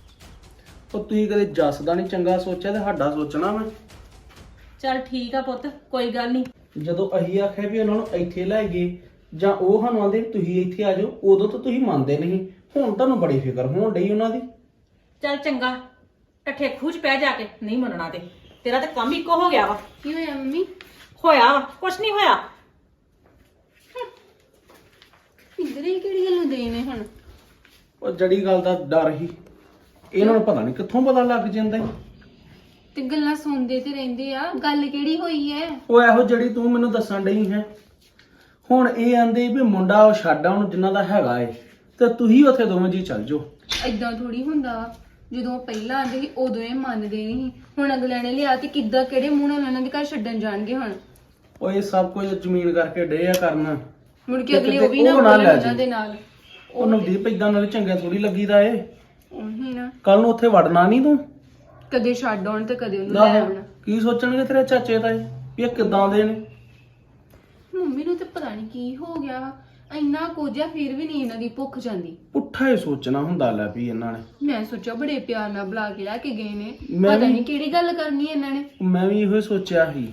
[SPEAKER 6] ਉਹ ਤੁਸੀਂ ਕਦੇ ਜੱਸ ਦਾ ਨਹੀਂ ਚੰਗਾ ਸੋਚਿਆ ਤੇ ਸਾਡਾ ਸੋਚਣਾ ਮੈਂ।
[SPEAKER 4] ਚੱਲ ਠੀਕ ਆ ਪੁੱਤ, ਕੋਈ ਗੱਲ ਨਹੀਂ।
[SPEAKER 6] ਜਦੋਂ ਅਸੀਂ ਆਖਿਆ ਵੀ ਉਹਨਾਂ ਨੂੰ ਇੱਥੇ ਲੈ ਗਏ, ਜਾਂ ਉਹ ਸਾਨੂੰ ਆਂਦੇ ਵੀ ਤੁਸੀਂ ਇੱਥੇ ਆ ਜਾਓ, ਉਦੋਂ ਤਾਂ ਤੁਸੀਂ ਮੰਨਦੇ ਨਹੀਂ। ਹੁਣ ਤੁਹਾਨੂੰ ਬੜੀ ਫਿਕਰ ਹੋਣ ਡਈ ਉਹਨਾਂ ਦੀ।
[SPEAKER 4] ਚੱਲ ਚੰਗਾ, ਟੱਠੇ ਖੂਚ ਪੈ ਜਾ ਕੇ ਨਹੀਂ ਮੰਨਣਾ ਤੇ ਤੇਰਾ ਤੇ ਕੰਮ ਇੱਕੋ ਹੋ ਗਿਆ ਵਾ।
[SPEAKER 1] ਕੀ ਹੋਇਆ ਮੰਮੀ?
[SPEAKER 4] ਹੋਇਆ ਵਾ ਕੁਛ ਨਹੀਂ ਹੋਇਆ।
[SPEAKER 1] ਇੱਧਰ ਹੀ ਕਿਹੜੀ ਗੱਲੋਂ ਦੇ ਨੇ ਹੁਣ?
[SPEAKER 6] ਉਹ ਜੜੀ ਗੱਲ ਦਾ ਡਰ ਹੀ, ਇਹਨਾਂ ਨੂੰ ਪਤਾ ਨਹੀਂ ਕਿੱਥੋਂ ਪਤਾ ਲੱਗ ਜਾਂਦਾ ਈ।
[SPEAKER 1] ਤੇ ਗੱਲਾਂ ਸੁਣਦੇ ਤੇ ਰਹਿੰਦੇ ਆ, ਗੱਲ ਕਿਹੜੀ ਹੋਈ ਐ?
[SPEAKER 6] ਉਹ ਇਹੋ ਜਿਹੜੀ ਤੂੰ ਮੈਨੂੰ ਦੱਸਣ ਡਈ ਹੈ। ਹੁਣ ਇਹ ਆਂਦੇ ਵੀ ਮੁੰਡਾ ਉਹ ਛੱਡ ਆਉਣ ਜਿਨ੍ਹਾਂ ਦਾ ਹੈਗਾ ਏ, ਤੇ ਤੁਸੀਂ ਉੱਥੇ ਦੋਵੇਂ ਜੀ ਚੱਲ ਜਾਓ।
[SPEAKER 1] ਏਦਾਂ ਥੋੜੀ ਹੁੰਦਾ ਵਾ। ਜਦੋਂ ਉਹ ਪਹਿਲਾਂ ਆਂਦੇ ਸੀ ਉਦੋਂ ਇਹ ਮੰਨਦੇ ਨਹੀਂ, ਹੁਣ ਅਗਲਿਆਂ ਨੇ ਲਿਆ ਤੇ ਕਿੱਦਾਂ ਕਿਹੜੇ ਮੂੰਹ ਨਾਲ ਉਹਨਾਂ ਦੇ ਘਰ ਛੱਡਣ ਜਾਣਗੇ ਹੁਣ?
[SPEAKER 6] ਉਹ ਇਹ ਸਭ ਕੁਝ ਜ਼ਮੀਨ ਕਰਕੇ ਡੇ ਆ ਕਰਨ।
[SPEAKER 1] ਮੁੜ ਕੇ
[SPEAKER 6] ਤੇ
[SPEAKER 1] ਅਗਲੇ
[SPEAKER 6] ਕਿਤੇ
[SPEAKER 1] ਉਹ ਵੀ ਨਾ
[SPEAKER 6] ਉਹ ਨਾ
[SPEAKER 1] ਬੋਲਣ
[SPEAKER 6] ਲੈ
[SPEAKER 1] ਉਹਨਾਂ
[SPEAKER 6] ਜਾਏ।
[SPEAKER 1] ਦੇ ਨਾਲ।
[SPEAKER 6] ਉਹ ਨਵਦੀਪ ਇਦਾਂ ਨਾਲੇ ਚੰਗਾ ਥੋੜੀ ਲੱਗੀਦਾ ਏ।
[SPEAKER 1] ਉਹੀ ਨਾ,
[SPEAKER 6] ਕੱਲ ਨੂੰ ਉੱਥੇ ਵੜਨਾ ਨਹੀਂ ਤੂੰ।
[SPEAKER 1] ਕਦੇ ਛੱਡ ਆਉਣ ਤੇ ਕਦੇ ਉਹਨੂੰ ਲੈ
[SPEAKER 6] ਆਹੋ,
[SPEAKER 1] ਆਉਣ।
[SPEAKER 6] ਕੀ ਸੋਚਣਗੇ ਤੇਰੇ ਚਾਚੇ ਤਾਏ ਵੀ ਇਹ ਕਿੱਦਾਂ ਦੇ ਨੇ?
[SPEAKER 1] ਮੰਮੀ ਨੂੰ ਤੇ ਪਤਾ ਨਹੀਂ ਕੀ ਹੋ ਗਿਆ ਵਾ, ਇੰਨਾ ਕੋਝਾ ਫਿਰ ਵੀ ਨਹੀਂ ਇਹਨਾਂ ਦੀ ਭੁੱਖ ਜਾਂਦੀ।
[SPEAKER 6] ਪੁੱਠਾ ਹੀ ਸੋਚਣਾ ਹੁੰਦਾ ਲੈ ਵੀ ਇਹਨਾਂ ਨੇ।
[SPEAKER 1] ਮੈਂ ਸੋਚਿਆ ਬੜੇ ਪਿਆਰ ਨਾਲ ਬੁਲਾ ਕੇ ਲੈ ਕੇ ਗਏ ਨੇ,
[SPEAKER 6] ਮੈਂ
[SPEAKER 1] ਪਤਾ
[SPEAKER 6] ਵੀ-
[SPEAKER 1] ਨਹੀਂ ਕਿਹੜੀ ਗੱਲ ਕਰਨੀ ਇਹਨਾਂ ਨੇ।
[SPEAKER 6] ਮੈਂ ਵੀ ਇਹੋ ਹੀ ਸੋਚਿਆ ਸੀ।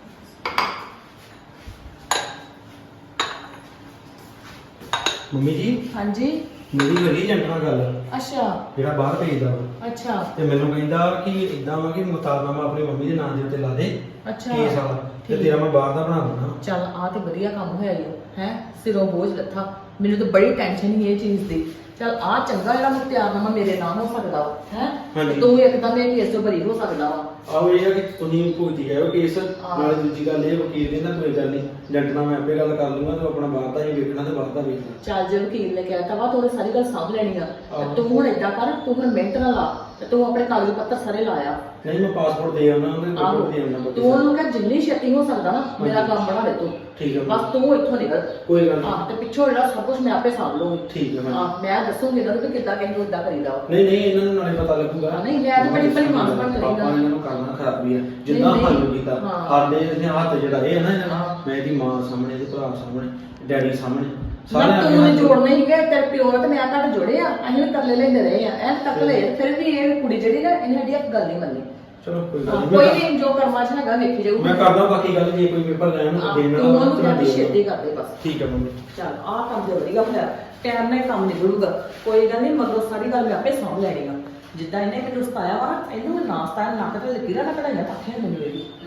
[SPEAKER 7] ਮੰਮੀ ਜੀ
[SPEAKER 4] ਹਾਂਜੀ।
[SPEAKER 7] ਮੇਰੀ ਲੱਗੀ ਏਜੰਟ ਨਾਲ ਗੱਲ,
[SPEAKER 4] ਅੱਛਾ
[SPEAKER 7] ਜਿਹੜਾ ਬਾਹਰ ਭੇਜਦਾ ਵਾ,
[SPEAKER 4] ਅੱਛਾ
[SPEAKER 7] ਤੇ ਮੈਨੂੰ ਕਹਿੰਦਾ ਕਿ ਇਦਾਂ ਵਾ ਕਿ ਮੁਤਾਲਨਾਮਾ ਆਪਣੀ ਮੰਮੀ ਦੇ ਨਾਂ ਦੇ ਉੱਤੇ ਲਾ ਦੇ
[SPEAKER 4] ਅੱਛਾ
[SPEAKER 7] ਕੇਸ ਵਾਲਾ, ਤੇ ਤੇਰਾ ਮੈਂ ਬਾਹਰ ਦਾ ਬਣਾ ਦਿੰਦਾ।
[SPEAKER 4] ਚੱਲ ਆ ਤੇ ਵਧੀਆ ਕੰਮ ਹੋਇਆ ਈ ਹੈ, ਸਿਰੋਂ ਬੋਝ ਲੱਥਾ। ਮੈਨੂੰ ਤਾਂ ਬੜੀ ਟੈਨਸ਼ਨ ਸੀ ਇਹ ਚੀਜ਼ ਦੀ। ਚੱਲ ਆ ਚੰਗਾ ਜਿਹੜਾ ਮੁਖਤਿਆਰਨਾਮਾ ਮੇਰੇ ਨਾਮ ਹੋ ਸਕਦਾ ਵਾ ਹੈ,
[SPEAKER 7] ਹਾਂਜੀ।
[SPEAKER 4] ਤੂੰ ਇੱਕਦਮ ਇਹ ਕੇਸ ਤੋਂ ਬਰੀ ਹੋ ਸਕਦਾ ਵਾ।
[SPEAKER 7] ਆਹੋ ਇਹ ਆ ਕਿ ਤੁਸੀਂ ਭੁਗਤੀ ਗਏ ਹੋ ਕੇਸ, ਨਾਲੇ ਦੂਜੀ ਗੱਲ ਇਹ ਵਕੀਲ ਕਹਿੰਦਾ ਕੋਈ ਗੱਲ ਨਹੀਂ, ਏਜੰਟ ਨਾਲ ਮੈਂ ਆਪੇ ਗੱਲ ਕਰ ਲੂੰਗਾ, ਤੂੰ ਆਪਣਾ ਬਾਹਰ ਦਾ ਹੀ ਵੇਖਣਾ ਤੇ ਬਾਹਰ ਦਾ ਵੇਖਣਾ।
[SPEAKER 4] ਚੱਲ ਜੇ ਵਕੀਲ ਨੇ ਕਹਿਤਾ ਵਾ ਤੂੰ ਉਹਦੀ ਸਾਰੀ ਗੱਲ ਸਾਂਭ ਲੈਣੀ ਆ, ਤੇ
[SPEAKER 7] ਆਹੋ।
[SPEAKER 4] ਤੂੰ ਹੁਣ ਏਦਾਂ ਕਰ, ਤੂੰ ਹੁਣ ਮਿਹਨਤ ਨਾਲ ਲਾ ਤੇ ਤੂੰ ਆਪਣੇ ਕਾਗਜ਼ ਪੱਤਰ ਸਾਰੇ ਲਾਇਆ।
[SPEAKER 7] ਨਹੀਂ ਮੈਂ ਪਾਸਪੋਰਟ ਦੇ ਆਉਣਾ, ਉਹਦੇ
[SPEAKER 4] ਆਹੋ
[SPEAKER 7] ਕੋਲ ਦੇ ਆਉਣਾ।
[SPEAKER 4] ਤੂੰ ਉਹਨੂੰ ਕਹਿ ਜਿੰਨੀ ਛੇਤੀ ਹੋ ਸਕਦਾ ਨਾ ਮੇਰਾ ਕੰਮ ਬਣਾ ਦੇ ਤੂੰ।
[SPEAKER 7] ਠੀਕ ਹੈ
[SPEAKER 4] ਬਸ ਤੂੰ ਇੱਥੋਂ ਨਿਕਲ।
[SPEAKER 7] ਕੋਈ ਗੱਲ ਨਹੀਂ।
[SPEAKER 4] ਹਾਂ ਤੇ ਪਿੱਛੋਂ ਜਿਹੜਾ ਸਭ ਕੁਝ ਮੈਂ ਆਪੇ ਸਾਂਭ ਲਊਂਗੀ।
[SPEAKER 7] ਠੀਕ ਹੈ
[SPEAKER 4] ਹਾਂ ਮੈਂ ਦੱਸੂਗੀ ਇਹਨਾਂ ਨੂੰ ਕਿ ਕਿੱਦਾਂ ਕਿਸੇ ਨੂੰ ਇਦਾਂ ਕਰੀਦਾ ਵਾ।
[SPEAKER 7] ਨਹੀਂ ਨਹੀਂ ਇਹਨਾਂ ਨੂੰ ਨਾਲੇ ਪਤਾ ਲੱਗੂਗਾ।
[SPEAKER 4] ਹਾਂ, ਨਹੀਂ, ਮੈਂ ਤਾਂ ਬੜੀ ਭਲੀ ਮਾਨਸ ਬਣ ਕੇ
[SPEAKER 7] ਆਪਾਂ
[SPEAKER 4] ਰਹਿੰਦਾ।
[SPEAKER 7] ਇਹਨਾਂ ਨੂੰ ਕਰਨਾ ਖਰਾਬੀ ਹੈ ਜਿੱਦਾਂ
[SPEAKER 4] ਨਹੀਂ,
[SPEAKER 7] ਹੱਲ
[SPEAKER 4] ਨਹੀਂ।
[SPEAKER 7] ਕੀਤਾ
[SPEAKER 4] ਹਾਂ।
[SPEAKER 7] ਸਾਡੇ ਇਹਦੇ ਹੱਥ ਜਿਹੜਾ ਇਹ ਹੈ ਨਾ ਇਹਨਾਂ
[SPEAKER 4] ਹਾਂ।
[SPEAKER 7] ਦਾ, ਮੈਂ ਇਹਦੀ ਮਾਂ ਸਾਹਮਣੇ, ਇਹਦੇ ਭਰਾ ਸਾਹਮਣੇ, ਡੈਡੀ ਸਾਹਮਣੇ
[SPEAKER 4] ਨਾ
[SPEAKER 7] ਸਾਰਿਆਂ
[SPEAKER 4] ਤੂੰ
[SPEAKER 7] ਅੱਗੇ
[SPEAKER 4] ਨੇ
[SPEAKER 7] ਹੱਥ
[SPEAKER 4] ਜੋੜਨੇ ਹੀ ਗਏ, ਤੇਰੇ ਪਿਓ ਨਾਲ ਤੇ ਮੈਂ ਘੱਟ ਜੋੜੇ ਆ, ਅਸੀਂ ਵੀ ਤਰਲੇ ਲੈਂਦੇ ਰਹੇ ਆ ਐ ਤੱਕ ਲਏ, ਫਿਰ ਵੀ ਇਹ ਕੁੜੀ ਜਿਹੜੀ ਨਾ ਇਹਨੇ ਸਾਡੀ ਇੱਕ ਗੱਲ ਨਹੀਂ ਮੰਨੀ।
[SPEAKER 7] ਚਲੋ ਕੋਈ ਗੱਲ
[SPEAKER 4] ਹਾਂ,
[SPEAKER 7] ਨਹੀਂ।
[SPEAKER 4] ਕੋਈ
[SPEAKER 7] ਮੈਂ
[SPEAKER 4] ਵੀ ਜੋ ਕਰਮਾ ਚ ਹੈਗਾ ਵੇਖੀ ਜਾਊ।
[SPEAKER 7] ਮੈਂ ਕਰਦਾ ਬਾਕੀ ਗੱਲ, ਜੇ ਕੋਈ ਪੇਪਰ ਲੈਣ ਨੂੰ
[SPEAKER 4] ਹਾਂ,
[SPEAKER 7] ਦੇਣ
[SPEAKER 4] ਤੂੰ
[SPEAKER 7] ਵਾਲਾ
[SPEAKER 4] ਉਹਨੂੰ
[SPEAKER 7] ਤਾਂ
[SPEAKER 4] ਕਹਿੰਦੀ
[SPEAKER 7] ਦੇ
[SPEAKER 4] ਛੇਤੀ
[SPEAKER 7] ਦਿਓ।
[SPEAKER 4] ਕਰਦੇ ਬਸ।
[SPEAKER 7] ਠੀਕ ਹੈ ਮੰਮੀ।
[SPEAKER 4] ਚੱਲ ਆਹ ਕੰਮ ਤੇ ਵਧੀਆ ਹੋਇਆ, ਟਾਈਮ ਨਾਲ ਕੰਮ ਨਿਕਲੂਗਾ। ਕੋਈ ਗੱਲ ਨਹੀਂ, ਮਗਰੋਂ ਸਾਰੀ ਗੱਲ ਮੈਂ ਆਪੇ ਸਾਂਭ ਲੈਣੀ ਆ। ਜਿੱਦਾਂ ਇਹਨੇ ਮੈਨੂੰ ਸਤਾਇਆ ਵਾ ਨਾ, ਇਹਨੂੰ ਮੈਂ ਨਾ ਸਤਾਇਆ, ਨੱਕ ਤੇ ਲਕੀਰਾਂ ਨਾ ਕਢਾਈਆਂ ਪੱਖੀਆਂ ਮੈਨੂੰ ਇਹਦੀ।